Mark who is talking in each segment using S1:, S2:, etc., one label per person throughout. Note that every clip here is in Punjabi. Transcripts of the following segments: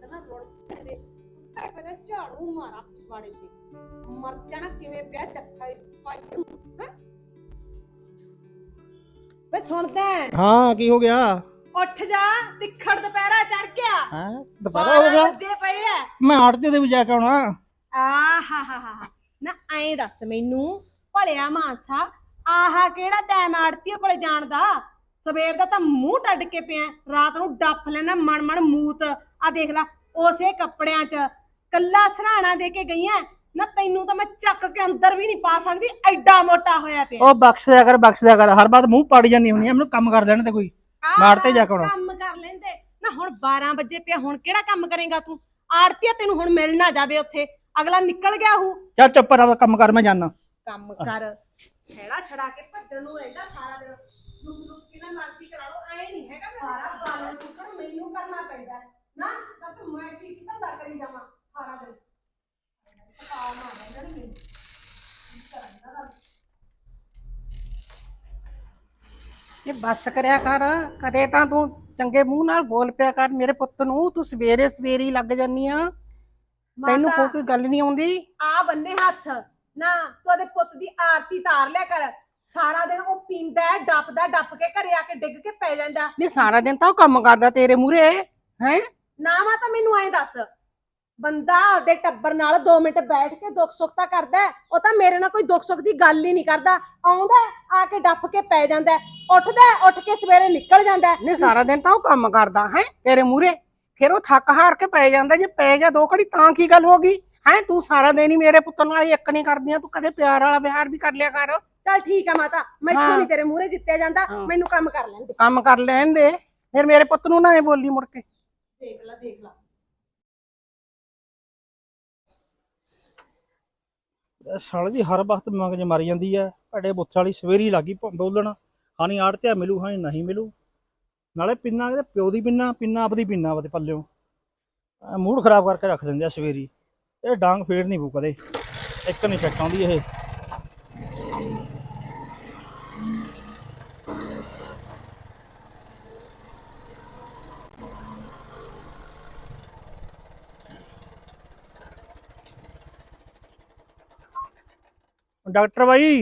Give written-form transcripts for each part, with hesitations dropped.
S1: ਨਾ ਰੁੜ ਦੇ ਸੁੱਕਾ ਪਤਾ ਝਾੜੂ ਮਾਰਾ ਪਿਛਵਾੜੇ ਤੇ ਮਰ ਜਾਣਾ ਕਿਵੇਂ ਪਿਆ ਚੱਥਾ ਪਾਈ ਹੈ ਵੇ ਸੁਣਦਾ
S2: ਹਾਂ ਕੀ ਹੋ ਗਿਆ?
S1: ਉੱਠ ਜਾ ਤਿੱਖੜ ਦੁਪਹਿਰਾ ਚੜ ਗਿਆ
S2: ਹੈ ਦੁਪਹਿਰਾ ਹੋ ਗਿਆ?
S1: ਵਜੇ ਪਏ ਐ
S2: ਮੈਂ ਆੜਤੇ ਦੇ ਵੀ ਜਾ ਕੇ ਆਉਣਾ।
S1: ਆਹਾ ਨਾ ਐਂ ਦੱਸ ਮੈਨੂੰ ਭਲਿਆ ਮਾਨਸਾ ਆਹਾ ਕਿਹੜਾ ਟਾਈਮ ਆੜਤੀ ਕੋਲੇ ਜਾਣ ਦਾ ਸਵੇਰ ਦਾ ਤਾਂ ਮੂੰਹ ਟੱਡ ਕੇ ਪਿਆ ਰਾਤ ਨੂੰ ਡੱਫ ਲੈਣਾ ਮਣ ਮੂਤ ਆ ਦੇਖ ਲੈ ਉਸੇ ਕੱਪੜਿਆਂ 'ਚ ਕੱਲਾ ਸਰਾਣਾ ਦੇ ਕੇ ਗਈਆਂ ਨਾ ਤੈਨੂੰ ਤਾਂ ਮੈਂ ਚੱਕ ਕੇ ਅੰਦਰ ਵੀ ਨਹੀਂ ਪਾ ਸਕਦੀ ਐਡਾ ਮੋਟਾ ਹੋਇਆ ਪਿਆ।
S2: ਉਹ ਬਖਸ਼ ਦਿਆ ਕਰ ਹਰ ਬਾਤ ਮੂੰਹ ਪਾੜੀ ਜਾਂਦੀ ਹੁੰਦੀ ਆ। ਮੈਨੂੰ ਕੰਮ ਕਰ ਲੈਣ ਤੇ ਕੋਈ ਮਾਰਤੇ ਜਾ ਕੇ ਆਉਣਾ।
S1: ਕੰਮ ਕਰ ਲੈਂਦੇ ਨਾ ਹੁਣ 12 ਵਜੇ ਪਿਆ ਹੁਣ ਕਿਹੜਾ ਕੰਮ ਕਰੇਗਾ ਤੂੰ? ਆੜਤੀਆ ਤੈਨੂੰ ਹੁਣ ਮਿਲ ਨਾ ਜਾਵੇ ਉੱਥੇ ਅਗਲਾ ਨਿਕਲ ਗਿਆ ਹੂ।
S2: ਚੱਲ ਚੁੱਪ ਕਰ ਕੰਮ ਕਰ ਮੈਂ ਜਾਣਾ।
S1: ਕੰਮ ਕਰ ਛੇੜਾ ਛੜਾ ਕੇ ਭੱਜਣ ਨੂੰ ਰਹਿੰਦਾ ਸਾਰਾ ਦਿਨ ਲੁਕ ਕੇ ਨਾ ਮਰਜ਼ੀ ਕਰਾ ਲਓ ਐ ਨਹੀਂ ਹੈਗਾ ਕਿ ਸਾਰਾ ਬਾਲਣ ਟੁੱਟਣ ਮੈਨੂੰ ਕਰਨਾ ਪੈਂਦਾ ਨਾ ਦੱਸ ਮੈਂ ਕੀ ਧੰਦਾ ਕਰੀ ਜਾਵਾਂ ਸਾਰਾ ਦਿਨ ਪਤਾ ਨਾ ਰਹਿੰਦਾ ਨਹੀਂ ਮੈਨੂੰ ਕੀ ਕਰਾਂਗਾ।
S3: ਇਹ ਬੱਸ ਕਰਿਆ ਕਰ ਕਦੇ ਤਾਂ ਤੂੰ ਚੰਗੇ ਮੂੰਹ ਨਾਲ ਬੋਲ ਪਿਆ ਕਰ ਮੇਰੇ ਪੁੱਤ ਨੂੰ। ਤੂੰ ਸਵੇਰੇ ਹੀ ਲੱਗ ਜਾਨੀ ਆ ਤੈਨੂੰ ਕੋਈ ਗੱਲ ਨਹੀਂ ਆਉਂਦੀ।
S1: ਆ ਬੰਨੇ ਹੱਥ ਨਾ ਤੂੰ ਉਹਦੇ ਪੁੱਤ ਦੀ ਆਰਤੀ ਤਾਰ ਲਿਆ ਕਰ। ਸਾਰਾ ਦਿਨ ਉਹ ਪੀਂਦਾ ਡੱਪਦਾ ਡੱਪ ਕੇ ਘਰੇ ਆ ਕੇ ਡਿੱਗ ਕੇ ਪੈ ਜਾਂਦਾ।
S3: ਨਹੀਂ ਸਾਰਾ ਦਿਨ ਤਾਂ ਉਹ ਕੰਮ ਕਰਦਾ ਤੇਰੇ ਮੂਹਰੇ ਹੈ
S1: ਨਾ ਵਾ ਤਾਂ ਮੈਨੂੰ ਐਂ ਦੱਸ ਬੰਦਾ ਆਪਦੇ ਟੱਬਰ ਨਾਲ 2 ਮਿੰਟ ਬੈਠ ਕੇ ਦੁੱਖ ਸੁੱਖ ਤਾਂ ਕਰਦਾ ਉਹ ਤਾਂ ਮੇਰੇ ਨਾਲ ਕੋਈ ਦੁੱਖ ਸੁੱਖ ਦੀ ਗੱਲ ਹੀ ਨਹੀਂ ਕਰਦਾ। ਆਉਂਦਾ ਆ ਕੇ ਡੱਫ ਕੇ ਪੈ ਜਾਂਦਾ ਉੱਠ ਕੇ ਸਵੇਰੇ ਨਿਕਲ ਜਾਂਦਾ।
S3: ਨਹੀਂ ਸਾਰਾ ਦਿਨ ਤਾਂ ਉਹ ਕੰਮ ਕਰਦਾ ਹੈ ਤੇਰੇ ਮੂਹਰੇ ਫਿਰ ਉਹ ਥੱਕ ਹਾਰ ਕੇ ਪੈ ਜਾਂਦਾ। ਜੇ ਪੈ ਗਿਆ 2 ਘੜੀ ਤਾਂ ਕੀ ਗੱਲ ਹੋ ਗਈ ਹੈ? ਤੂੰ ਸਾਰਾ ਦਿਨ ਹੀ ਮੇਰੇ ਪੁੱਤ ਨਾਲ ਇੱਕ ਨਹੀਂ ਕਰਦੀਆਂ ਤੂੰ ਕਦੇ ਪਿਆਰ ਵਾਲਾ ਵਿਹਾਰ ਵੀ ਕਰ ਲਿਆ ਕਰ।
S1: ਚੱਲ ਠੀਕ ਆ ਮਾਤਾ ਮੈਥੋਂ ਨਹੀਂ ਤੇਰੇ ਮੂਹਰੇ ਜਿੱਤਿਆ ਜਾਂਦਾ ਮੈਨੂੰ ਕੰਮ ਕਰ ਲੈਣ ਦੇ।
S3: ਕੰਮ ਕਰ ਲੈਣ ਦੇ ਫਿਰ ਮੇਰੇ ਪੁੱਤ ਨੂੰ ਨਾ ਇਹ ਬੋਲੀ ਮੁੜ ਕੇ।
S1: ਦੇਖ ਲਾ
S2: ਸਾਲੇ ਦੀ ਹਰ ਵਕਤ ਮੰਗ ਮਾਰੀ ਜਾਂਦੀ ਆ। ਭੜੇ ਬੁੱਥ ਵਾਲੀ ਸਵੇਰੀ ਲੱਗੀ ਬੋਲਣ ਹਾਨੀ ਆੜਤਿਆ ਮਿਲੂ ਹਾਂ ਨਹੀਂ ਮਿਲੂ। ਨਾਲੇ ਪਿੰਨਾ ਇਹਦੇ ਪਿਓ ਦੀ ਪਿੰਨਾ ਆਪਦੀ ਪਿੰਨਾ ਆਪਦੇ ਪੱਲਿਓ ਮੂਡ ਖਰਾਬ ਕਰਕੇ ਰੱਖ ਦਿੰਦੇ ਆ ਸਵੇਰੀ। ਇਹ ਡਾਂਗ ਫੇਰ ਨਹੀਂ ਪੂ ਕਦੇ ਇੱਕ ਨਹੀਂ ਫਿੱਟ ਆਉਂਦੀ ਇਹ। ਡਾਕਟਰ ਬਾਈ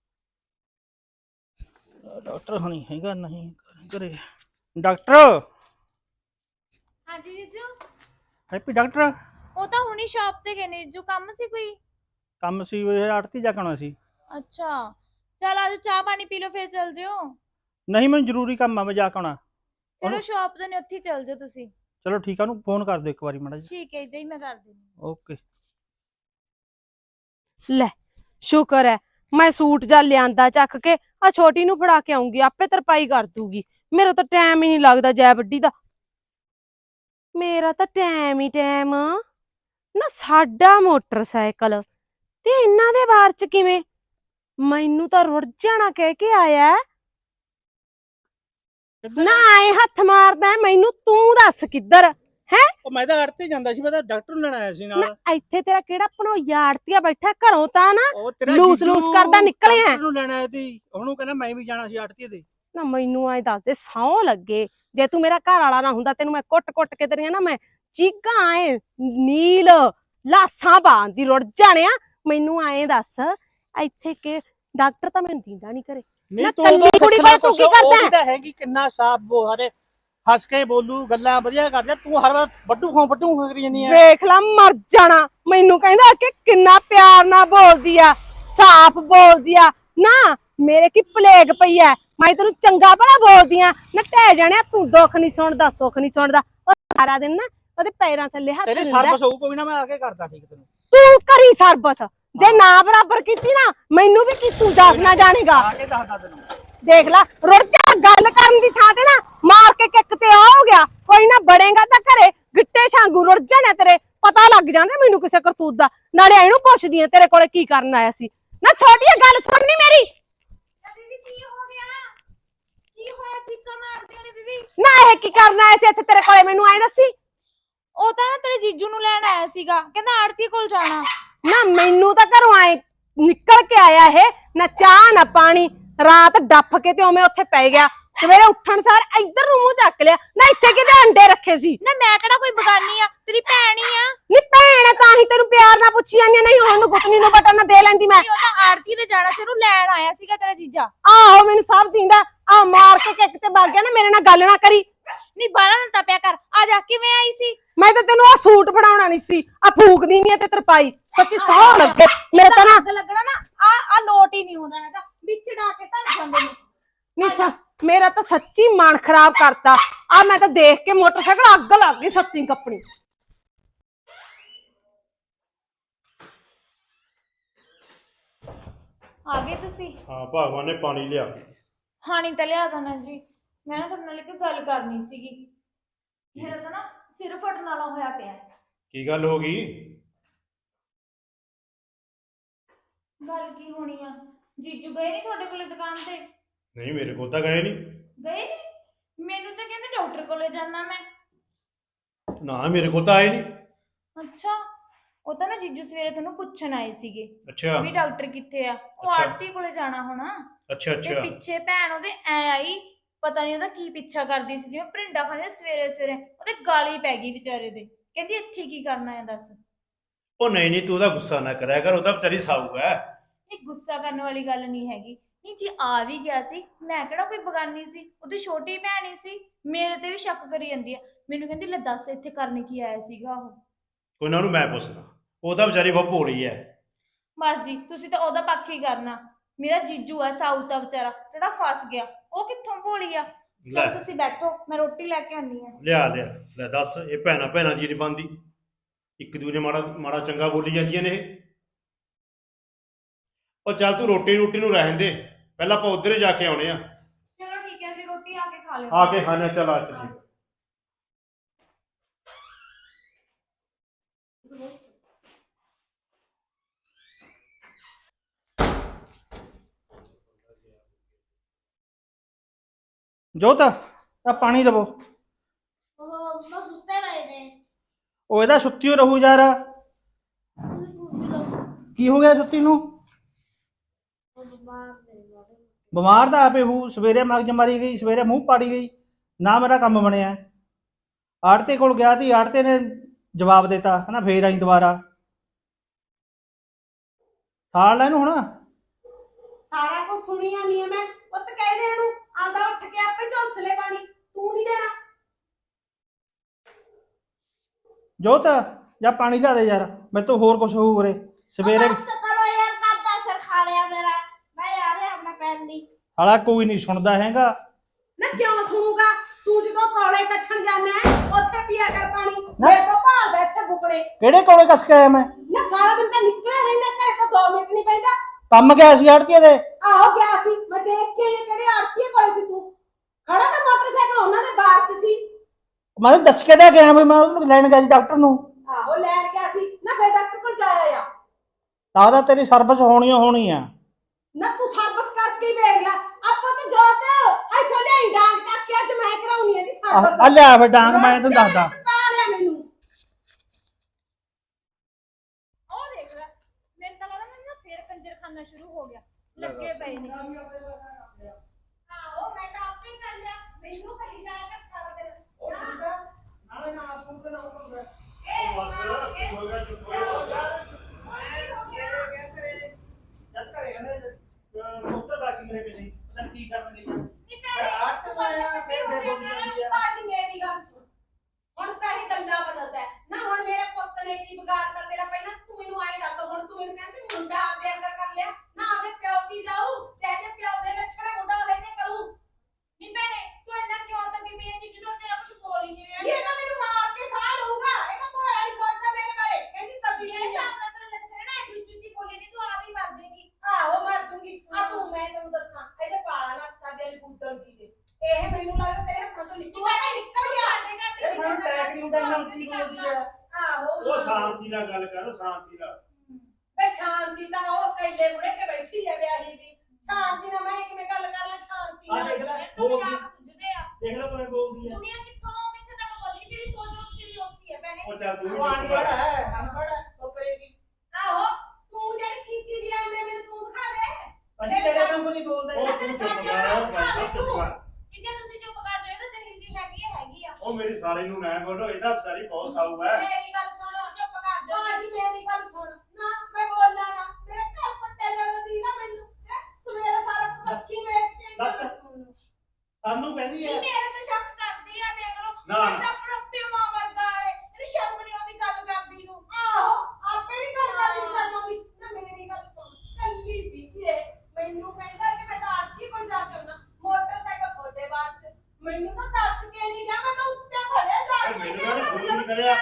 S2: ਡਾਕਟਰ ਹਣੀ ਹੈਗਾ ਨਹੀਂ ਘਰੇ? ਡਾਕਟਰ
S4: ਹਾਂਜੀ ਜੀਜੂ
S2: ਹੈਪੀ ਡਾਕਟਰ
S4: ਉਹ ਤਾਂ ਹੁਣੀ ਸ਼ਾਪ ਤੇ ਗਏ ਨੇ। ਜੀਜੂ ਕੰਮ ਸੀ ਕੋਈ?
S2: ਕੰਮ ਸੀ ਆੜਤੀ ਜਾ ਕੇ ਆਉਣਾ ਸੀ।
S4: ਅੱਛਾ ਚਲ ਆਜੋ ਚਾਹ ਪਾਣੀ ਪੀ ਲਓ ਫਿਰ ਚੱਲ ਜਿਓ।
S2: ਨਹੀਂ ਮੈਨੂੰ ਜ਼ਰੂਰੀ ਕੰਮ ਆ ਮੈਂ ਜਾ ਕੇ ਆਉਣਾ।
S4: ਚਲੋ ਸ਼ਾਪ ਤੇ ਨੇ ਉੱਥੇ ਚੱਲ ਜਿਓ ਤੁਸੀਂ।
S2: ਚਲੋ ਠੀਕ ਆ ਉਹਨੂੰ ਫੋਨ ਕਰ ਦਿਓ ਇੱਕ ਵਾਰੀ ਮਾੜਾ ਜੀ।
S4: ਠੀਕ ਹੈ ਜੀ ਮੈਂ ਕਰ ਦਿੰਦੀ।
S2: ਓਕੇ।
S5: ਲੈ ਸ਼ੁਕਰ ਹੈ ਮੈਂ ਸੂਟ ਜਾ ਲਿਆਂਦਾ ਚੱਕ ਕੇ ਆ ਛੋਟੀ ਨੂੰ ਫੜਾ ਕੇ ਆਉਂਗੀ ਆਪੇ ਤਰਪਾਈ ਕਰ ਦੂਗੀ। ਮੇਰਾ ਤਾਂ ਟਾਈਮ ਹੀ ਨਹੀਂ ਲੱਗਦਾ ਜੈ ਵੱਡੀ ਦਾ। ਮੇਰਾ ਤਾਂ ਟਾਈਮ ਨਾ ਸਾਡਾ ਮੋਟਰਸਾਈਕਲ ਤੇ ਇਹਨਾਂ ਦੇ ਬਾਰ ਚ ਕਿਵੇਂ ਮੈਨੂੰ ਤਾਂ ਰੁੜ ਜਾਣਾ ਕਹਿ ਕੇ ਆਇਆ ਨਾ ਆਏ ਹੱਥ ਮਾਰਦਾ ਮੈਨੂੰ। ਤੂੰ ਦੱਸ ਕਿੱਧਰ ਹੈ?
S2: ਉਹ ਮੈਂ ਤਾਂ ਆੜਤੀ ਜਾਂਦਾ ਸੀ ਮੈਂ ਤਾਂ ਡਾਕਟਰ ਨੂੰ ਲੈਣ ਆਇਆ ਸੀ ਨਾਲ।
S5: ਨਾ ਇੱਥੇ ਤੇਰਾ ਕਿਹੜਾ ਭਣੋਈਆ ਆੜਤੀਆ ਬੈਠਾ ਘਰੋਂ ਤਾਂ ਨਾ
S2: ਉਹ ਤੇਰਾ
S5: ਲੂਸ ਕਰਦਾ ਨਿਕਲਿਆ।
S2: ਡਾਕਟਰ ਨੂੰ ਲੈਣ ਆਇਆ ਸੀ ਉਹਨੂੰ ਕਹਿੰਦਾ ਮੈਂ ਵੀ ਜਾਣਾ ਸੀ ਆੜਤੀ ਦੇ।
S5: ਨਾ ਮੈਨੂੰ ਐ ਦੱਸ ਦੇ ਸਹੁੰ ਲੱਗੇ ਜੇ ਤੂੰ ਮੇਰਾ ਘਰ ਵਾਲਾ ਨਾ ਹੁੰਦਾ ਤੈਨੂੰ ਮੈਂ ਕੁੱਟ ਕੇ ਤੇਰੀਆਂ ਨਾ ਮੈਂ ਚੀਕਾਂ ਐ ਨੀਲ ਲਾਸਾਂ ਬਾਂਦੀ ਰੁੜ ਜਾਣਿਆ। ਮੈਨੂੰ ਐਂ ਦੱਸ ਇੱਥੇ ਕਿ ਡਾਕਟਰ ਤਾਂ ਮੈਨੂੰ ਦਿੰਦਾ ਨਹੀਂ ਘਰੇ ਨਾ ਕੱਲੀ ਕੁੜੀ ਕੋਲ ਤੂੰ ਕੀ ਕਰਦਾ?
S2: ਉਹ ਤਾਂ ਹੈਗੀ ਕਿੰਨਾ ਸਾਫ ਬੋਹਰੇ ਹੱਸ ਕੇ ਬੋਲੂ ਗੱਲਾਂ ਵਧੀਆ ਕਰਦਾ। ਤੂੰ ਹਰ ਵਾਰ ਵੱਡੂ ਕਰੀ ਜਾਂਦੀ ਆ।
S5: ਵੇਖ ਲਾ ਮਰ ਜਾਣਾ ਮੈਨੂੰ ਕਹਿੰਦਾ ਕਿ ਕਿੰਨਾ ਪਿਆਰ ਨਾਲ ਬੋਲਦੀ ਆ ਸਾਫ ਬੋਲਦੀ ਆ। ਨਾ ਮੇਰੇ ਕੀ ਪਲੇਗ ਪਈ ਐ ਮੈਂ ਤੈਨੂੰ ਚੰਗਾ ਭਲਾ ਬੋਲਦੀ ਆ ਨਾ ਟਹਿ ਜਾਣਿਆ ਤੂੰ ਦੁੱਖ ਨਹੀਂ ਸੁਣਦਾ ਸੁੱਖ ਨਹੀਂ ਸੁਣਦਾ। ਉਹ ਸਾਰਾ ਦਿਨ ਨਾ ਉਹਦੇ ਪੈਰਾਂ ਥੱਲੇ ਹੱਥ
S2: ਤੇਰੇ
S5: ਦਿੰਦਾ।
S2: ਸਰਵਿਸ ਹੋਊ ਕੋਈ ਨਾ ਮੈਂ ਆ ਕੇ ਕਰਦਾ ਠੀਕ ਤੈਨੂੰ।
S5: ਤੂੰ ਕਰੀ ਸਰਬਸ ਜੇ ਨਾ ਬਰਾਬਰ ਕੀਤੀ ਨਾ ਮੈਨੂੰ ਵੀ ਕੀ ਤੂੰ ਦੱਸ ਨਾ ਜਾਣੇਗਾ।
S2: ਆ ਕੇ ਦੱਸਦਾ ਤੈਨੂੰ।
S5: ਦੇਖ ਲੈ ਰੁੜ ਜਾ ਗੱਲ ਕਰਨ ਦੀ ਥਾਂ ਤੇ ਨਾ ਮਾਰ ਕੇ ਕਿੱਕ ਤੇ ਆ ਹੋ ਗਿਆ। ਕੋਈ ਨਾ ਬੜੇਗਾ ਤਾਂ ਘਰੇ ਗਿੱਟੇ ਛਾਂਗੂ ਰੁੜ ਜਾਣੇ ਤੇਰੇ ਪਤਾ ਲੱਗ ਜਾਂਦਾ ਮੈਨੂੰ ਕਿਸੇ ਕਰਤੂਤ ਦਾ। ਨਾਲੇ ਇਹਨੂੰ ਪੁੱਛਦੀ ਆ ਤੇਰੇ ਕੋਲੇ ਕੀ ਕਰਨ ਆਇਆ ਸੀ। ਨਾ ਛੋਟੀ ਗੱਲ ਸੁਣਨੀ ਮੇਰੀ।
S4: ਦੀਦੀ ਕੀ ਹੋ ਗਿਆ? ਕੀ ਹੋਇਆ ਚੀਕਾਂ ਮਾਰਦੇ ਨੇ ਦੀਦੀ?
S5: ਨਾ ਇਹ ਕੀ ਕਰਨ ਆਇਆ ਸੀ ਇੱਥੇ ਤੇਰੇ ਕੋਲੇ ਮੈਨੂੰ ਐਂ ਦੱਸੀ।
S4: ਉਹ ਤਾਂ ਨਾ ਤੇਰੇ ਜੀਜੂ ਨੂੰ ਲੈਣ ਆਇਆ ਸੀਗਾ ਕਹਿੰਦਾ ਆੜਤੀ ਕੋਲ ਜਾਣਾ।
S5: ਨਾ ਮੈਨੂੰ ਤਾਂ ਘਰੋਂ ਆਏ ਨਿਕਲ ਕੇ ਆਇਆ ਇਹ ਨਾ ਚਾਹ ਨਾ ਪਾਣੀ ਰਾਤ ਡੱਫ ਕੇ ਤੇ ਉਵੇਂ ਉੱਥੇ ਪੈ ਗਿਆ। ਸਵੇਰੇ ਉੱਠਣ ਸਾਰ ਇੱਧਰ ਨੂੰ ਮੂੰਹ ਚੱਕ ਲਿਆ ਨਾ, ਇੱਥੇ ਕਿਤੇ ਅੰਡੇ ਰੱਖੇ ਸੀ।
S4: ਨਾ ਮੈਂ ਕਿਹੜਾ ਕੋਈ ਬਗਾਨੀ ਆ, ਤੇਰੀ ਭੈਣ ਹੀ ਆ।
S5: ਨੀ ਭੈਣ ਆ ਤਾਂ ਹੀ ਤੈਨੂੰ ਪਿਆਰ ਨਾਲ ਪੁੱਛੀ ਜਾਂਦੀ ਆ, ਨਹੀਂ ਹੁਣ ਨੂੰ ਗੁੱਤਨੀ ਨੂੰ ਬਟਨ ਨਾ ਦੇ ਲੈਂਦੀ ਮੈਂ।
S4: ਨਹੀਂ, ਉਹ ਤਾਂ ਆੜਤੀ ਤੇ ਜਾਣਾ ਸੀ, ਉਹਨੂੰ ਲੈਣ ਆਇਆ ਸੀਗਾ ਤੇਰਾ ਜੀਜਾ।
S5: ਆਹੋ ਮੈਨੂੰ ਸਭ ਦਿੰਦਾ, ਆ ਮਾਰ ਕੇ ਕਿੱਕ ਤੇ ਵਗ ਗਿਆ ਨਾ, ਮੇਰੇ ਨਾਲ ਗੱਲ ਨਾ ਕਰੀ।
S4: ਨਹੀਂ ਬਾਲਾ ਨਾ ਤਪਿਆ ਕਰ, ਆ ਜਾ ਕਿਵੇਂ ਆਈ ਸੀ?
S5: ਮੈਂ ਤਾਂ ਤੈਨੂੰ ਆ ਸੂਟ ਫੜਾਉਣਾ ਨਹੀਂ ਸੀ, ਆ ਫੂਕਦੀ ਨਹੀਂ ਤੇ ਤਰਪਾਈ ਸੱਚੀ ਸੌ ਲੱਗੇ ਮੇਰੇ ਤਾਂ ਨਾ।
S4: ਅੱਗ ਲੱਗਣਾ ਨਾ, ਆ ਲੋਟ ਹੀ ਨਹੀਂ ਹੁੰਦਾ ਹੈਗਾ, ਵਿੱਚ ਡਾ ਕੇ ਧਰ ਜਾਂਦੇ ਨੇ।
S5: ਨਹੀਂ ਮੇਰਾ ਤਾਂ ਸੱਚੀ ਮਨ ਖਰਾਬ ਕਰਤਾ। ਆ ਮੈਂ ਤਾਂ ਦੇਖ ਕੇ ਮੋਟਰਸਾਈਕਲ ਅੱਗ ਲੱਗ ਗਈ ਸੱਚੀ ਕੱਪਣੀ।
S4: ਆ ਗਏ ਤੁਸੀਂ?
S2: ਹਾਂ ਭਗਵਾਨ ਨੇ ਪਾਣੀ ਲਿਆ।
S4: ਹਾਣੀ ਤਾਂ ਲਿਆ ਦੇਣਾ ਜੀ। ਮੈਂ ਨਾ ਤੁਹਾਡੇ ਨਾਲ ਇੱਕ ਗੱਲ ਕਰਨੀ ਸੀਗੀ। ਮੇਰਾ ਤਾਂ ਨਾ ਸਿਰ ਫਟਣ ਵਾਲਾ ਹੋਇਆ ਪਿਆ।
S2: ਕੀ ਗੱਲ ਹੋ ਗਈ?
S4: ਗੱਲ ਕੀ ਹੋਣੀ ਆ, ਜੀਜੂ ਗਏ ਨਹੀਂ ਤੁਹਾਡੇ ਕੋਲੇ ਦੁਕਾਨ ਤੇ?
S2: ਨਹੀਂ ਮੇਰੇ ਕੋਲ ਤਾਂ ਗਏ ਨਹੀਂ।
S4: ਗਏ ਨਹੀਂ? ਮੈਨੂੰ ਤਾਂ ਕਹਿੰਦੇ ਡਾਕਟਰ ਕੋਲੇ ਜਾਣਾ ਮੈਂ।
S2: ਨਾ ਮੇਰੇ ਕੋਲ ਤਾਂ ਆਏ ਨਹੀਂ।
S4: ਅੱਛਾ, ਉਹ ਤਾਂ ਨਾ ਜੀਜੂ ਸਵੇਰੇ ਤੈਨੂੰ ਪੁੱਛਣ ਆਏ ਸੀਗੇ
S2: ਅੱਛਾ
S4: ਵੀ ਡਾਕਟਰ ਕਿੱਥੇ ਆ। ਉਹ
S2: ਅੱਛਾ।
S4: ਆੜਤੀ ਕੋਲੇ ਜਾਣਾ ਹੋਣਾ।
S2: ਅੱਛਾ
S4: ਤੇ
S2: ਅੱਛਾ
S4: ਪਿੱਛੇ ਭੈਣ ਉਹਦੇ ਐ ਆਈ, ਪਤਾ ਨਹੀਂ ਉਹਦਾ ਕੀ ਪਿੱਛਾ ਕਰਦੀ ਸੀ, ਜਿਵੇਂ ਭਰਿੰਡਾ ਖਾਂਦੇ ਸਵੇਰੇ ਸਵੇਰੇ ਉਹਦੇ ਗਾਲੀ ਪੈ ਗਈ ਵਿਚਾਰੇ ਦੇ। ਕਹਿੰਦੀ ਇੱਥੇ ਕੀ ਕਰਨਾ ਹੈ ਦੱਸ।
S2: ਉਹ ਨਹੀਂ ਨਹੀਂ ਤੂੰ ਉਹਦਾ ਗੁੱਸਾ ਨਾ ਕਰਿਆ ਕਰ, ਉਹਦਾ ਵਿਚਾਰੀ ਸਾਊ ਹੈ।
S4: ਨਹੀਂ ਗੁੱਸਾ ਕਰਨ ਵਾਲੀ ਗੱਲ ਨਹੀਂ ਹੈਗੀ। ਨਹੀਂ ਜੀ ਆ ਵੀ ਗਿਆ ਸੀ, ਮੈਂ ਕਿਹੜਾ ਕੋਈ ਬਗਾਨੀ ਸੀ, ਉਹਦੀ ਛੋਟੀ ਭੈਣ ਹੀ ਸੀ। ਮੇਰੇ ਤੇ ਵੀ ਸ਼ੱਕ ਕਰੀ ਜਾਂਦੀ ਆ। ਮੈਨੂੰ ਕਹਿੰਦੀ ਲੈ ਦੱਸ ਇੱਥੇ ਕਰਨ ਕੀ ਆਇਆ ਸੀਗਾ ਉਹ।
S2: ਕੋਈ ਨਾ ਉਹਨੂੰ ਮੈਂ ਪੁੱਛਦਾ, ਉਹਦਾ ਵਿਚਾਰੀ ਬਹੁਤ ਭੋਲੀ ਹੈ।
S4: ਬਸ ਜੀ ਤੁਸੀਂ ਤਾਂ ਉਹਦਾ ਪੱਖ ਹੀ ਕਰਨਾ। ਮੇਰਾ ਜੀਜੂ ਆ ਸਾਊ ਦਾ ਵਿਚਾਰਾ ਜਿਹੜਾ ਫਸ ਗਿਆ, ਉਹ ਕਿੱਥੋਂ ਭੋਲੀ ਆ।
S2: ਲੈ
S4: ਚਲ ਤੁਸੀਂ ਬੈਠੋ, ਮੈਂ ਰੋਟੀ ਲੈ ਕੇ ਆਨੀ ਆ।
S2: ਲਿਆ ਲਿਆ ਲੈ ਦੱਸ, ਇਹ ਭੈਣਾਂ ਭੈਣਾਂ ਦੀ ਨਹੀਂ ਬਣਦੀ, ਇੱਕ ਦੂਜੇ ਮਾੜਾ ਮਾੜਾ ਚੰਗਾ ਬੋਲੀ ਜਾਂਦੀਆਂ ਨੇ ਇਹ। ਉਹ ਚੱਲ ਤੂੰ ਰੋਟੀ ਨੂੰ ਰਹਿਣ ਦੇ, ਪਹਿਲਾਂ ਆਪਾਂ ਉਧਰ ਹੀ ਜਾ ਕੇ ਆਉਣੇ ਆ।
S4: ਚਲੋ ਠੀਕ ਹੈ ਜੀ, ਰੋਟੀ ਆ ਕੇ ਖਾ ਲਿਓ।
S2: ਆ ਕੇ ਖਾਣੇ ਚੱਲ ਆ ਚੱਲੀਏ। ਜੋਤ ਆ ਪਾਣੀ ਦੇਵੋ।
S6: ਉਹ ਬਸ ਸੁੱਤੇ ਪਏ ਨੇ।
S2: ਉਹ ਇਹਦਾ ਸੁੱਤੀ ਹੋ ਰਹੂ ਯਾਰ। ਕੀ ਹੋ ਗਿਆ ਸੁੱਤੀ ਨੂੰ?
S6: ਉਹ ਬਿਮਾਰ ਨੇ ਬਾਰੇ।
S2: ਬਿਮਾਰ ਦਾ ਆਪੇ ਹੂ, ਸਵੇਰੇ ਮਗਜ ਮਾਰੀ ਗਈ, ਸਵੇਰੇ ਮੂੰਹ ਪਾੜੀ ਗਈ, ਨਾ ਮੇਰਾ ਕੰਮ ਬਣਿਆ। ਆੜਤੇ ਕੋਲ ਗਿਆ ਸੀ, ਆੜਤੇ ਨੇ ਜਵਾਬ ਦਿੱਤਾ ਹਨਾ, ਫੇਰ ਆਈ ਦੁਬਾਰਾ। ਖਾਲ ਲੈ ਇਹਨੂੰ ਹੁਣ।
S1: ਸਾਰਾ ਕੁਝ ਸੁਣੀ ਜਾਂਦੀ ਆ ਮੈਂ। ਪੁੱਤ ਕਹਿੰਦੇ ਇਹਨੂੰ ਆਂਦਾ ਉੱਠ ਕੇ ਆਪੇ ਝੋਲਸਲੇ ਪਾਣੀ, ਤੂੰ ਨਹੀਂ ਦੇਣਾ।
S2: ਜੋਤ ਜਾਂ ਪਾਣੀ ਲਿਆ ਦੇ ਯਾਰ, ਮੇਰੇ ਤੋਂ ਹੋਰ ਕੁਝ ਹੋਊ ਉਰੇ ਸਵੇਰੇ।
S6: ਬਸ ਕਰੋ ਯਾਰ, ਕਾਦਾ ਸਿਰ ਖਾ ਲਿਆ ਮੇਰਾ। ਮੈਂ ਆ ਰਿਹਾ ਆਪਣਾ ਪੈਣ ਲਈ।
S2: ਹਾਲਾ ਕੋਈ ਨਹੀਂ ਸੁਣਦਾ ਹੈਗਾ।
S1: ਨਾ ਕਿਉਂ ਸੁਣੂਗਾ? ਤੂੰ ਜਦੋਂ ਕੌਲੇ ਕੱਛਣ ਜਾਂਦਾ ਉੱਥੇ ਪੀਆ ਕਰ ਪਾਣੀ। ਮੇਰੇ ਕੋ ਭਾਲਦਾ ਇੱਥੇ ਬੁਕਲੇ।
S2: ਕਿਹੜੇ ਕੋਲੇ ਕੱਸ ਕੇ ਆਇਆ ਮੈਂ?
S1: ਨਾ ਸਾਰਾ ਦਿਨ ਤਾਂ ਨਿਕਲਿਆ ਰਹਿੰਦਾ ਘਰੇ, ਤਾਂ 2 ਮਿੰਟ ਨਹੀਂ ਪੈਂਦਾ।
S2: ਕੰਮ ਗਿਆ ਸੀ ਆੜਤੀਏ ਦੇ।
S1: ਆਹੋ ਗਿਆ ਸੀ, ਮੈਂ ਦੇਖ ਕੇ ਆਈ ਕਿਹੜੇ ਆੜਤੀਏ ਕੋਲੇ ਸੀ ਤੂੰ ਖੜਾ। ਤਾਂ ਮੋਟਰਸਾਈਕਲ ਉਹਨਾਂ ਦੇ ਬਾਹਰ ਚ ਸੀ।
S2: ਮੈਂ ਤਾਂ ਦੱਸ ਕੇ ਗਿਆ ਵੀ ਮੈਂ ਉਹਨੂੰ ਲੈਣ ਗਿਆ ਸੀ ਡਾਕਟਰ ਨੂੰ।
S1: ਆਹੋ ਲੈਣ ਗਿਆ ਸੀ ਨਾ, ਫਿਰ ਡਾਕਟਰ ਕੋਲ ਜਾਇਆ ਆ।
S2: ਤਾਂ ਤੇਰੀ ਸਰਵਿਸ ਹੋਣੀ ਆ।
S1: ਨਾ ਤੂੰ ਸਰਵਿਸ ਕਰਕੇ ਹੀ ਵੇਖ ਲੈ। ਆਪਾਂ ਤਾਂ ਜੋਤ ਇੱਥੋਂ ਲਿਆਈ ਡਾਂਗ ਚੱਕ ਕੇ, ਅੱਜ ਮੈਂ ਕਰਾਉਣੀ ਹੈ ਦੀ ਸਰਵਿਸ।
S2: ਆ ਲਿਆ ਫਿਰ ਡਾਂਗ, ਮੈਂ ਤੈਨੂੰ ਦੱਸਦਾ।
S1: ਪਾ ਲਿਆ ਮੈਨੂੰ।
S4: ਉਹ ਦੇਖ ਲੈ, ਮੈਨੂੰ ਤਾਂ ਲੱਗਦਾ ਮੈਨੂੰ ਨਾ ਫੇਰ ਕੰਜਰ ਖਾਨਾ ਸ਼ੁਰੂ ਹੋ ਗਿਆ। ਲੱਗੇ ਪਏ ਨੇ।
S1: ਆਹੋ ਮੈਂ ਤਾਂ ਆਪੇ ਕਰ ਲਿਆ, ਮੈਨੂੰ ਕਹੀ ਜਾਏਗਾ ਸਾਰਾ ਦਿਨ।
S2: ਨਾਲੇ ਨਾ ਆਪ ਨੂੰ ਲਾਉਂਗਾ।
S1: ਇਹ
S2: ਬਸ ਹੋ ਗਿਆ, ਚੁੱਪ ਹੋ ਜਾ। ਚੱਲ ਘਰੇ ਹਨੇ ਮੁੱਤਰ ਬਾਕੀ ਮੇਰੇ ਪਿੱਛੇ ਪਤਾ ਕੀ ਕਰਨ ਗਈ।
S4: ਨੀ ਭੈਣੇ, ਤੂੰ ਗੱਲ ਕੱਟੀ ਹੋ ਜਾਏਗਾ।
S1: ਭਾਜੀ ਮੇਰੀ ਗੱਲ ਸੁਣ, ਹੁਣ ਤਾਂ ਇਹ ਗੱਲਾਂ ਬਦਲਦਾ ਹੈ ਨਾ। ਹੁਣ ਮੇਰੇ ਪੁੱਤ ਨੇ ਕੀ ਵਿਗਾੜਤਾ ਤੇਰਾ? ਪਹਿਲਾਂ ਤੂੰ ਮੈਨੂੰ ਆਏ ਦੱਸ। ਹੁਣ ਤੂੰ ਮੈਨੂੰ ਕਹਿੰਦੀ ਮੁੰਡਾ ਆਪਦੇ ਵਰਗਾ ਕਰ ਲਿਆ ਨਾ, ਆਪਦੇ ਪਿਓ ਕੀ ਜਾਊ ਤੇ ਇਹਦੇ ਪਿਓ ਦੇ ਲੱਛਣ ਮੁੰਡਾ ਹੋਵੇ ਨੇ ਕਰੂ।
S4: ਨੀ ਭੈਣੇ, ਤੂੰ ਇੰਨਾ ਕਿਉਂ ਤੰਗੀ ਪਈ ਹੈ ਜੀ, ਜਦੋਂ ਤੇਰਾ ਕੁਝ ਬੋਲ ਹੀ ਨਹੀਂ ਰਿਹਾ।
S1: ਇਹ ਤਾਂ ਮੈਨੂੰ ਮਾਰ ਕੇ ਸਾਹ ਲਊਗਾ। ਇਹ ਤਾਂ ਭੋਰਾ ਨਹੀਂ ਸੋਚਦਾ ਮੇਰੇ ਬਾਰੇ। ਕਹਿੰਦੀ ਤਬੀ
S4: ਜਿਹੜੇ
S1: ਨਹੀਂ ਆ।
S4: ਹਿਸਾਬ ਨਾਲ ਤੇਰਾ ਲੱਛਣ ਹੈ ਨਾ, ਐਡੀ ਉੱਚੀ ਉੱਚੀ ਬੋਲੀ ਨਹੀਂ, ਤੂੰ ਆਪ ਹੀ ਮਰ ਜਾਏਗੀ।
S1: ਆਹੋ ਮਰ ਜੂਗੀ। ਆ ਤੂੰ ਮੈਂ ਤੈਨੂੰ ਦੱਸਾਂ, ਇਹਦੇ ਪਾਲਾ ਨਾ ਸਾਡੇ ਵਾਲੀ ਪੁੱਤਰ ਜੀ ਦੇ। ਇਹ ਮੈਨੂੰ ਲੱਗਦਾ ਤੇਰੇ ਹੱਥਾਂ ਤੋਂ ਨਿਕਲ ਗਿਆ।
S4: ਸਾਡੇ ਘਰ ਦੇ
S2: ਇਹ ਮੈਨੂੰ ਟੈਗ ਨਹੀਂ ਹੁੰਦਾ, ਇਹਨਾਂ ਕੀ ਬੋਲਦੀ ਆ।
S1: ਆਹੋ
S2: ਉਹ ਸ਼ਾਂਤੀ ਨਾਲ ਗੱਲ ਕਰ, ਸ਼ਾਂਤੀ ਨਾਲ।
S1: ਵੇ ਸ਼ਾਂਤੀ ਤਾਂ ਉਹ ਕੈਲੇ ਮੁੜੇ ਕੇ ਬੈਠੀ ਆ ਵਿਆਹੀ ਦੀ। ਸ਼ਾਂਤੀ ਨਾਲ ਮੈਂ ਕਿਵੇਂ ਗੱਲ ਕਰ ਲਾਂ? ਸ਼ਾਂਤੀ
S2: ਆ
S1: ਨਾਲ
S2: ਦੇਖ ਲੈ,
S4: ਤੂੰ
S2: ਬੋਲਦੀ
S4: ਮਜ਼ਾਕ ਸੁਝਦੇ ਆ।
S2: ਦੇਖ ਲੈ ਕਿਵੇਂ ਬੋਲਦੀ ਆ।
S4: ਦੁਨੀਆ ਕਿੱਥੇ ਤੱਕ ਪਹੁੰਚ ਗਈ, ਤੇਰੀ ਸੋਚ ਉੱਥੇ ਦੀ ਉੱਥੇ ਹੈ ਭੈਣੇ।
S2: ਉਹ ਚੱਲ ਤੂੰ ਵੀ
S3: ਉਹ
S2: ਚੁੱਪ
S3: ਅਨਪੜ੍ਹ
S2: ਕਰ।
S3: ਹੈ, ਅਨਪੜ੍ਹ ਹੈ, ਉਹ ਕਰੇਗੀ।
S1: ਆਹੋ ਤੂੰ ਜਿਹੜੀ ਕੀਤੀ ਵੀ ਆਈ ਮੈਨੂੰ ਤੂੰ ਦਿਖਾ ਦੇ।
S3: ਅਸੀਂ ਤੇਰੇ ਵਾਂਗੂ ਨਹੀਂ ਬੋਲਦੇ।
S2: ਉਹ ਤੂੰ ਚੁੱਪ ਕਰ, ਉਹ ਗੱਲ ਚੁੱਪ ਕਰ।
S4: ਜਿੱਦਾਂ
S2: ਸਾਲੇ ਨੂੰ ਨਾ ਬੋਲੋ, ਇਹਦਾ ਵਿਚਾਰੀ ਬਹੁਤ ਸਾਊ ਹੈ।
S1: ਮੇਰੀ ਗੱਲ ਸੁਣੋ,
S4: ਚੁੱਪ ਕਰ ਜਾ
S1: ਬਾਜੀ ਮੇਰੀ ਗੱਲ ਸੁਣ ਨਾ, ਮੈਂ ਬੋਲਣਾ ਨਾ, ਮੇਰੇ ਘਰ ਪੱਟੇ ਲੱਗਦੀ ਨਾ ਮੈਨੂੰ ਹੈਂ? ਸਵੇਰੇ ਸਾਰਾ ਕੁਝ ਅੱਖੀ ਵੇਖ ਕੇ
S2: ਦੱਸ। ਸਾਨੂੰ ਕਹਿੰਦੀ
S4: ਜੀ
S2: ਹੈ
S4: ਮੇਰੇ ਤੇ ਸ਼ੱਕ ਕਰਦੀ ਆ, ਦੇਖ ਲਓ
S2: ਨਾ।
S4: ਮੇਰਾ ਆਪਣਾ ਪਿਓ ਵਰਗਾ ਹੈ, ਇਹਨੂੰ ਸ਼ਰਮ ਨਹੀਂ ਆਉਂਦੀ ਗੱਲ ਕਰਦੀ ਨੂੰ।
S1: ਆਹੋ ਆਪੇ ਨਹੀਂ ਗੱਲ ਕਰਨੀ ਸ਼ਰਮ ਆਉਂਦੀ ਨਾ। ਮੇਰੀ ਗੱਲ ਸੁਣ, ਕੱਲੀ ਸੀ ਇਹ, ਮੈਨੂੰ ਕਹਿੰਦਾ ਕਿ ਮੈਂ ਤਾਂ ਆਰਤੀ ਕੋਲ ਜਾ ਕੇ ਆਉਣਾ, ਮੋਟਰਸਾਈਕਲ ਤੁਹਾਡੇ ਬਾਅਦ ਚ ਮੈਨੂੰ ਤਾਂ ਦੱਸ ਕੇ ਨਹੀਂ ਗਿਆ, ਮੈਂ ਤਾਂ ਉੱਤੇ ਖੜਿਆ ਜਾ ਕੇ
S2: ਮੈਨੂੰ ਕਹਿੰਦਾ ਕੁਝ ਨਹੀਂ ਕਰਿਆ।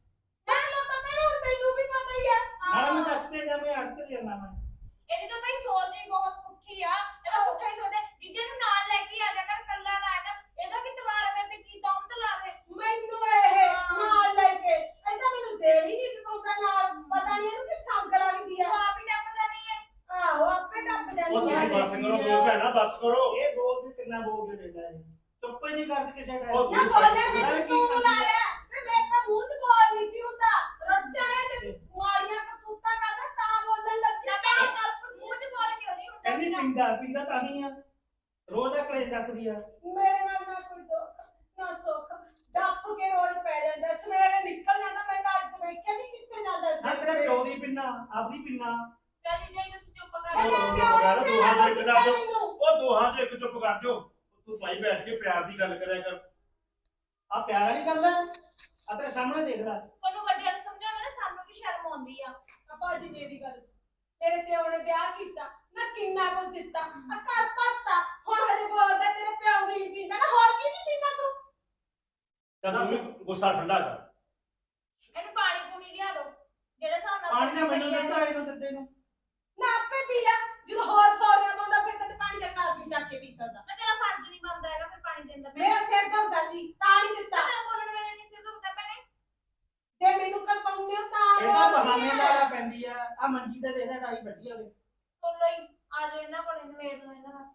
S1: ਮੈਨੂੰ ਵੀ ਪਤਾ ਹੀ ਹੈ।
S2: ਨਾਲੇ ਮੈਂ ਦੱਸ ਕੇ ਜਾ, ਮੈਂ ਅੜ ਕੇ ਦੇਣਾ ਮੈਂ।
S4: ਇਹਦੀ ਤਾਂ ਭਾਈ ਸੋਚ ਹੀ ਬਹੁਤ ਪੁੱਠੀ ਆ, ਇਹਦਾ ਪੁੱਠਾ ਹੀ ਸੋਚਦਾ। ਜੀਜੇ ਨੂੰ ਨਾਲ ਲੈ ਕੇ ਆ ਜਾ ਕਰ, ਕੱਲਾ ਨਾ ਆ ਜਾ। ਇਹਦਾ ਕੀ ਤਵਾਰ ਮੇਰੇ ਤੇ ਕੀ ਦਮ ਲਾ ਦੇ।
S1: ਮੈਨੂੰ ਇਹ ਨਾਲ ਲੈ ਕੇ ਐਦਾਂ ਮੈਨੂੰ ਦੇਲ ਹੀ ਨਹੀਂ ਟਪਾਉਂਦਾ ਨਾਲ, ਪਤਾ ਨਹੀਂ ਇਹਨੂੰ ਕਿ ਸੰਗ ਲੱਗਦੀ ਆ।
S4: ਤੂੰ ਆਪ ਹੀ ਟੱਪ ਜਾਣੀ ਹੈ।
S1: ਆਹੋ ਆਪੇ ਟੱਪ
S2: ਉਹ
S1: ਜਾਣੀ
S2: ਤੁਸੀਂ
S1: ਆ।
S2: ਬਸ ਕਰੋ, ਬੋਲ ਭੈਣਾ ਬਸ ਕਰੋ।
S7: ਇਹ ਬੋਲਦੇ ਕਿੰਨਾ ਬੋਲਦੇ ਰਹਿੰਦਾ ਹੈ, ਚੁੱਪ ਹੀ ਨਹੀਂ ਕਰਦੀ ਕਿਸੇ ਟਾਈਮ।
S2: ਉਹ
S1: ਨਾ ਬੋਲਿਆ ਤੇ ਤੂੰ ਲਾਇਆ ਤੇ ਮੈਂ ਤਾਂ ਮੂੰਹ ਚ ਬੋਲ ਨਹੀਂ ਸੀ ਹੁੰਦਾ, ਰੱਜਣੇ ਤੇ ਮਾੜੀਆਂ ਕਰਤੂਤਾਂ ਕਰਦਾ ਤਾਂ ਬੋਲਣ ਲੱਗੀ।
S4: ਨਾ ਮੈਂ ਗੱਲ ਮੂੰਹ 'ਚ ਬੋਲ ਕੇ ਨਹੀਂ ਹੁੰਦਾ
S7: ਕਹਿੰਦੀ
S4: ਸੀਗਾ।
S7: ਪੀਂਦਾ ਤਾਂ ਹੀ ਆ, ਰੋਜ਼ ਦਾ ਕਲੇਸ਼ ਰੱਖਦੀ ਆ।
S1: ਮੇਰੇ ਨਾਲ ਨਾ ਕੋਈ ਦੁੱਖ ਨਾ ਸੁੱਖ, ਡੱਪ ਕੇ ਰੋਜ਼ ਪੈ ਜਾਂਦਾ, ਸਵੇਰੇ ਨਿਕਲ ਜਾਂਦਾ। ਮੈਂ ਤਾਂ ਅੱਜ ਵੇਖਿਆ ਵੀ ਕਿੱਥੇ ਜਾਂਦਾ
S7: ਨਾ ਤੇਰੇ
S1: ਸੀ।
S7: ਪਿਓ ਦੀ ਪਿੰਨਾ, ਆਪਦੀ ਪਿੰਨਾ।
S4: ਚੱਲ ਜਾਈ ਤੁਸੀਂ ਚੁੱਪ ਕਰ
S1: ਮੈਂ
S4: ਜਾਓ।
S1: ਕਿਹਾ
S2: ਦੋਹਾਂ ਚ ਇੱਕ ਦੱਸ ਦਿਓ।
S1: ਮੈਨੂੰ।
S2: ਉਹ ਦੋਹਾਂ ਚ ਇੱਕ ਚੁੱਪ ਕਰ ਦਿਓ। ਤੂੰ ਭਾਈ ਬੈਠ ਕੇ ਪਿਆਰ ਦੀ ਗੱਲ ਕਰਿਆ ਕਰ।
S7: ਆ ਪਿਆਰ ਵਾਲੀ ਗੱਲ ਹੈ, ਆ ਤੇਰੇ ਸਾਹਮਣੇ ਦੇਖ ਲੈ।
S4: ਤੁਹਾਨੂੰ ਵੱਡਿਆਂ ਨੂੰ ਸਮਝਾਉਂਦੇ ਨਾ, ਸਾਨੂੰ ਵੀ ਸ਼ਰਮ ਆਉਂਦੀ ਆ।
S1: ਭਾਜੀ ਮੇਰੀ ਗੱਲ ਸੁਣ, ਤੇਰੇ ਪਿਓ ਨੇ ਵਿਆਹ ਕੀਤਾ ਨਾ, ਕਿੰਨਾ ਕੁਝ ਦਿੱਤਾ, ਆ ਘਰ ਭਰਤਾ, ਹੁਣ ਹਜੇ ਬੋਲਦਾ ਤੇਰੇ ਪਿਓ ਦੀ ਨਹੀਂ ਪੀਂਦਾ ਨਾ, ਹੋਰ ਕੀ ਨਹੀਂ ਪੀਂਦਾ ਤੂੰ?
S2: ਤਾਂ ਤੂੰ ਗੁੱਸਾ ਠੰਡਾ ਕਰ।
S4: ਇਹਨੂੰ ਪਾਣੀ ਪੂਣੀ ਲਿਆ ਦਿਓ, ਜਿਹੜੇ ਹਿਸਾਬ ਨਾਲ
S7: ਪਾਣੀ ਤਾਂ ਮੈਨੂੰ
S4: ਪਈ ਆ।
S7: ਦਿੱਤਾ, ਇਹਨੂੰ ਦਿੱਤੇ ਨੂੰ।
S1: ਨਾ ਆਪੇ ਪੀ ਲੈ, ਜਦੋਂ ਹੋਰ ਫੌਰੀਆਂ ਪਾਉਂਦਾ ਫਿਰ ਤੇ ਪਾਣੀ ਦਾ ਗਲਾਸ ਵੀ ਚੱਕ ਕੇ ਪੀ ਸਕਦਾ।
S4: ਮੈਂ ਤੇਰਾ ਫਰਜ਼ ਨਹੀਂ ਬਣਦਾ ਹੈਗਾ ਫਿਰ ਪਾਣੀ ਦੇਣ ਦਾ।
S1: ਮੇਰਾ ਸਿਰ ਦੁਖਦਾ ਸੀ ਤਾਂ ਨਹੀਂ ਦਿੱਤਾ,
S4: ਤੇਰਾ ਬੋਲਣ ਵੇਲੇ ਨਹੀਂ ਸਿਰ ਦੁਖਦਾ ਭੈਣੇ।
S1: ਜੇ ਮੈਨੂੰ ਕਰਪਾਉਂਦੇ ਹੋ ਤਾਂ
S7: ਇਹ ਤਾਂ
S1: ਬੋਲਦੀ
S7: ਬਹਾਨੇ
S1: ਆ।
S7: ਲਾਇਆ ਪੈਂਦੀ ਆ। ਆ ਮੰਜੀ ਤੇ ਦੇਖ ਲੈ ਟਾਈ ਬੈਠੀ ਹੋਵੇ।
S4: ਸੁਣ ਲਓ ਜੀ, ਆ ਜਾਓ ਇਹਨਾਂ ਕੋਲ, ਨਵੇੜ ਲਓ ਇਹਨਾਂ ਦਾ।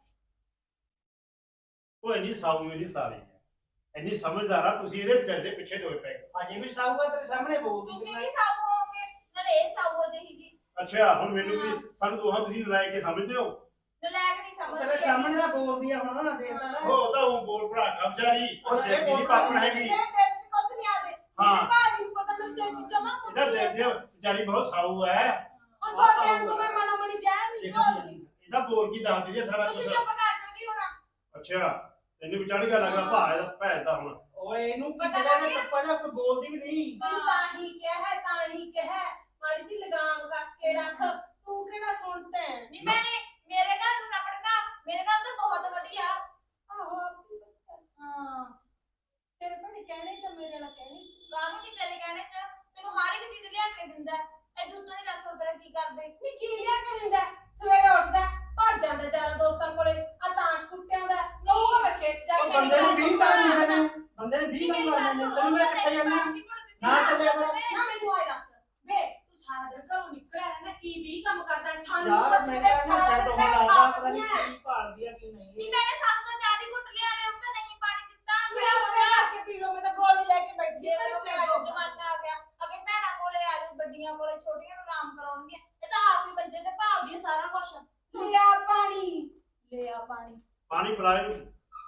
S2: ਉਹ ਇੰਨੀ ਸਾਊ ਮੇਰੀ ਸਾਲੀ ਹੈ, ਇੰਨੀ ਸਮਝਦਾਰ ਆ। ਤੁਸੀਂ ਇਹਦੇ ਵਿਚਾਰੇ ਦੇ ਪਿੱਛੇ ਦੋਏ ਪਏ।
S7: ਅਜੇ ਵੀ ਸਾਊਗਾ ਤੇਰੇ ਸਾਹਮਣੇ ਬੋਲਦੀ
S4: ਤੁਸੀਂ
S7: ਸੀ।
S4: ਵੀ ਸਾਊ ਹੋਵੋਗੇ, ਨਾਲੇ ਇਹ ਸਾਊ ਹੋ ਜਿਹੀ ਜੀ।
S2: ਅੱਛਾ ਹੁਣ ਮੈਨੂੰ ਵੀ ਸਾਨੂੰ ਦੋਹਾਂ ਤੁਸੀਂ ਨਲਾਇਕ ਕੇ ਸਮਝਦੇ ਹੋ।
S4: ਨਲਾਇਕ ਨਹੀਂ ਸਮਝਦੀ
S7: ਤੇਰੇ ਸਾਹਮਣੇ ਤਾਂ ਬੋਲਦੀ ਆ ਹੁਣ, ਦੇਖਦਾ ਲੈ।
S2: ਉਹ ਤਾਂ ਉਹ ਬੋਲ ਭੜਾ ਕਾ ਵਿਚਾਰੀ, ਉਹ ਦੇਖਦੀ ਨਹੀਂ ਪਾਪਣ ਹੈਗੀ।
S1: ਮੇਰੇ ਦਿਲ 'ਚ ਕੁਛ ਨਹੀਂ ਆਦੇ।
S2: ਹਾਂ।
S1: ਮੇਰੇ ਭਾਜੀ ਨੂੰ ਪਤਾ ਮੇਰੇ ਦਿਲ 'ਚ ਜਮਾ ਕੁਛ
S2: ਇਹਦਾ
S1: ਨਹੀਂ
S2: ਦੇਖਦੇ ਹੋ ਵਿਚਾਰੀ ਬਹੁਤ ਸਾਊ ਹੈ।
S1: ਹੁਣ ਤੁਹਾਡੇ ਨੂੰ ਮੈਂ ਮਨਾ ਮਣੀ ਜ਼ਹਿਰ ਨਹੀਂ ਬੋਲਦੀ।
S2: ਇਹਦਾ ਬੋਲ ਕੀ ਦੱਸਦੀ ਜੇ ਸਾਰਾ ਕੁਝ।
S4: ਤੁਸੀਂ ਚੁੱਪ ਕਰ ਜਾਓ ਜੀ ਹੁਣ।
S2: ਅੱਛਾ ਤੈਨੂੰ ਵਿਚਾਰ ਗਿਆ ਲੱਗਾ ਭਾ ਇਹਦਾ ਭੈਣ ਦਾ ਹੁਣ।
S7: ਓਏ ਇਹਨੂੰ ਕੀ
S4: ਪਤਾ
S7: ਪਤਾ
S4: ਲੱਗ
S7: ਨਾ
S4: ਗਿਆ?
S7: ਪੱਪਾ ਜਾ ਕੋਈ ਬੋਲਦੀ ਵੀ ਨਹੀਂ।
S1: ਤੈਨੂੰ ਤਾਂ ਹੀ ਕਿਹਾ ਮਾੜੀ ਜੀ ਲਗਾਮ ਕੱਸ ਕੇ ਰੱਖ, ਤੂੰ ਕਿਹੜਾ ਸੁਣਦਾ ਹੈ?
S4: ਨਹੀਂ ਭੈਣੇ, ਮੇਰੇ ਘਰ ਨੂੰ ਨਾ ਭੜਕਾ, ਮੇਰੇ ਘਰ ਤਾਂ ਬਹੁਤ ਵਧੀਆ।
S1: ਆਹੋ ਹਾਂ, ਤੇਰੇ ਭਣੇ ਕਹਿਣੇ ਚ ਮੇਰੇ ਨਾਲ ਕਹਿਣੇ ਚ
S4: ਕਾਹਨੂੰ ਨਹੀਂ ਤੇਰੇ ਕਹਿਣੇ ਚ, ਤੈਨੂੰ ਹਰ ਇੱਕ ਚੀਜ਼ ਲਿਆ ਕੇ ਦਿੰਦਾ ਹੈ। ਇਹ ਦੁੱਧ ਨਹੀਂ ਦੱਸ ਤੇਰਾ ਕੀ ਕਰਦੇ।
S1: ਨੀ ਕੀ ਲਿਆ ਕਰਿੰਦਾ? ਸਵੇਰੇ ਉੱਠਦਾ ਭੱਜ ਜਾਂਦਾ ਯਾਰਾਂ ਦੋਸਤਾਂ ਕੋਲੇ, ਆ ਤਾਸ਼ ਕੁੱਟਿਆਂ ਦਾ ਕਹੂਗਾ ਮੈਂ ਖੇਤ ਜਾ
S7: ਉਹ
S1: ਕੇ
S7: ਬੰਦੇ ਨੂੰ 20 ਕੰਮ
S1: ਕਰਨਾ।
S7: ਹੁੰਦੇ ਨੇ, ਬੰਦੇ ਨੂੰ 20 ਕੰਮ ਕਰਨੇ ਨੇ। ਤੈਨੂੰ ਮੈਂ ਕਿੱਥੇ ਜਾਣਾ? ਨਾ ਚੱਲਿਆ ਕਰੋ।
S1: ਨਾ ਮੈਨੂੰ ਆਏ ਦੱਸ ਵੇ, ਤੂੰ ਸਾਰਾ ਦਿਨ ਘਰੋਂ ਨਿਕਲਿਆ ਰਹਿਣਾ, ਕੀ ਵੀ ਕੰਮ ਕਰਦਾ ਹੈ? ਸਾਨੂੰ
S7: ਯਾਰ
S1: ਬੱਚੇ
S7: ਮੈਂ
S1: ਦੇ
S7: ਤਾਂ
S1: ਸਾਰਾ
S7: ਸੈੱਟ
S1: ਦਿਨ
S7: ਹੋਣ
S1: ਘਰ
S7: ਲੱਗਦਾ, ਪਤਾ ਨਹੀਂ
S1: ਖਾਪਦੀਆਂ।
S7: ਕੀ ਭਾਲਦੀ ਆ ਕੀ
S4: ਨਹੀਂ
S7: ਨਹੀਂ।
S4: ਭੈਣੇ, ਸਾਨੂੰ ਤਾਂ ਚਾਹ ਦੀ ਘੁੱਟ ਲਿਆ ਨੇ, ਉਹ ਤਾਂ ਨਹੀਂ ਪਾਣੀ ਦਿੱਤਾ।
S1: ਮੈਂ ਆਪੇ ਲਾ ਕੇ ਪੀ ਲਓ, ਮੈਂ ਤਾਂ ਗੋਲੀ ਲੈ ਕੇ ਬੈਠੀ
S4: ਜੇ
S1: ਹਾਂ
S4: ਮੇਰੇ ਸਿਰ ਜਮਾਨਾ ਆ ਗਿਆ, ਅੱਗੇ ਭੈਣਾਂ ਕੋਲੇ ਆ ਜਾਓ, ਵੱਡੀਆਂ ਕੋਲੇ, ਛੋਟੀਆਂ ਨੂੰ ਆਰਾਮ ਕਰਾਉਣਗੀਆਂ। ਇਹ ਤਾਂ ਆਪ ਹੀ ਬੱਚੇ ਤੇ ਭਾਲਦੀ ਹੈ ਸਾਰਾ ਕੁਝ।
S1: ਲਿਆ ਪਾਣੀ।
S4: ਲਿਆ ਪਾਣੀ।
S2: ਪਾਣੀ ਪਿਲਾਏ ਨੂੰ।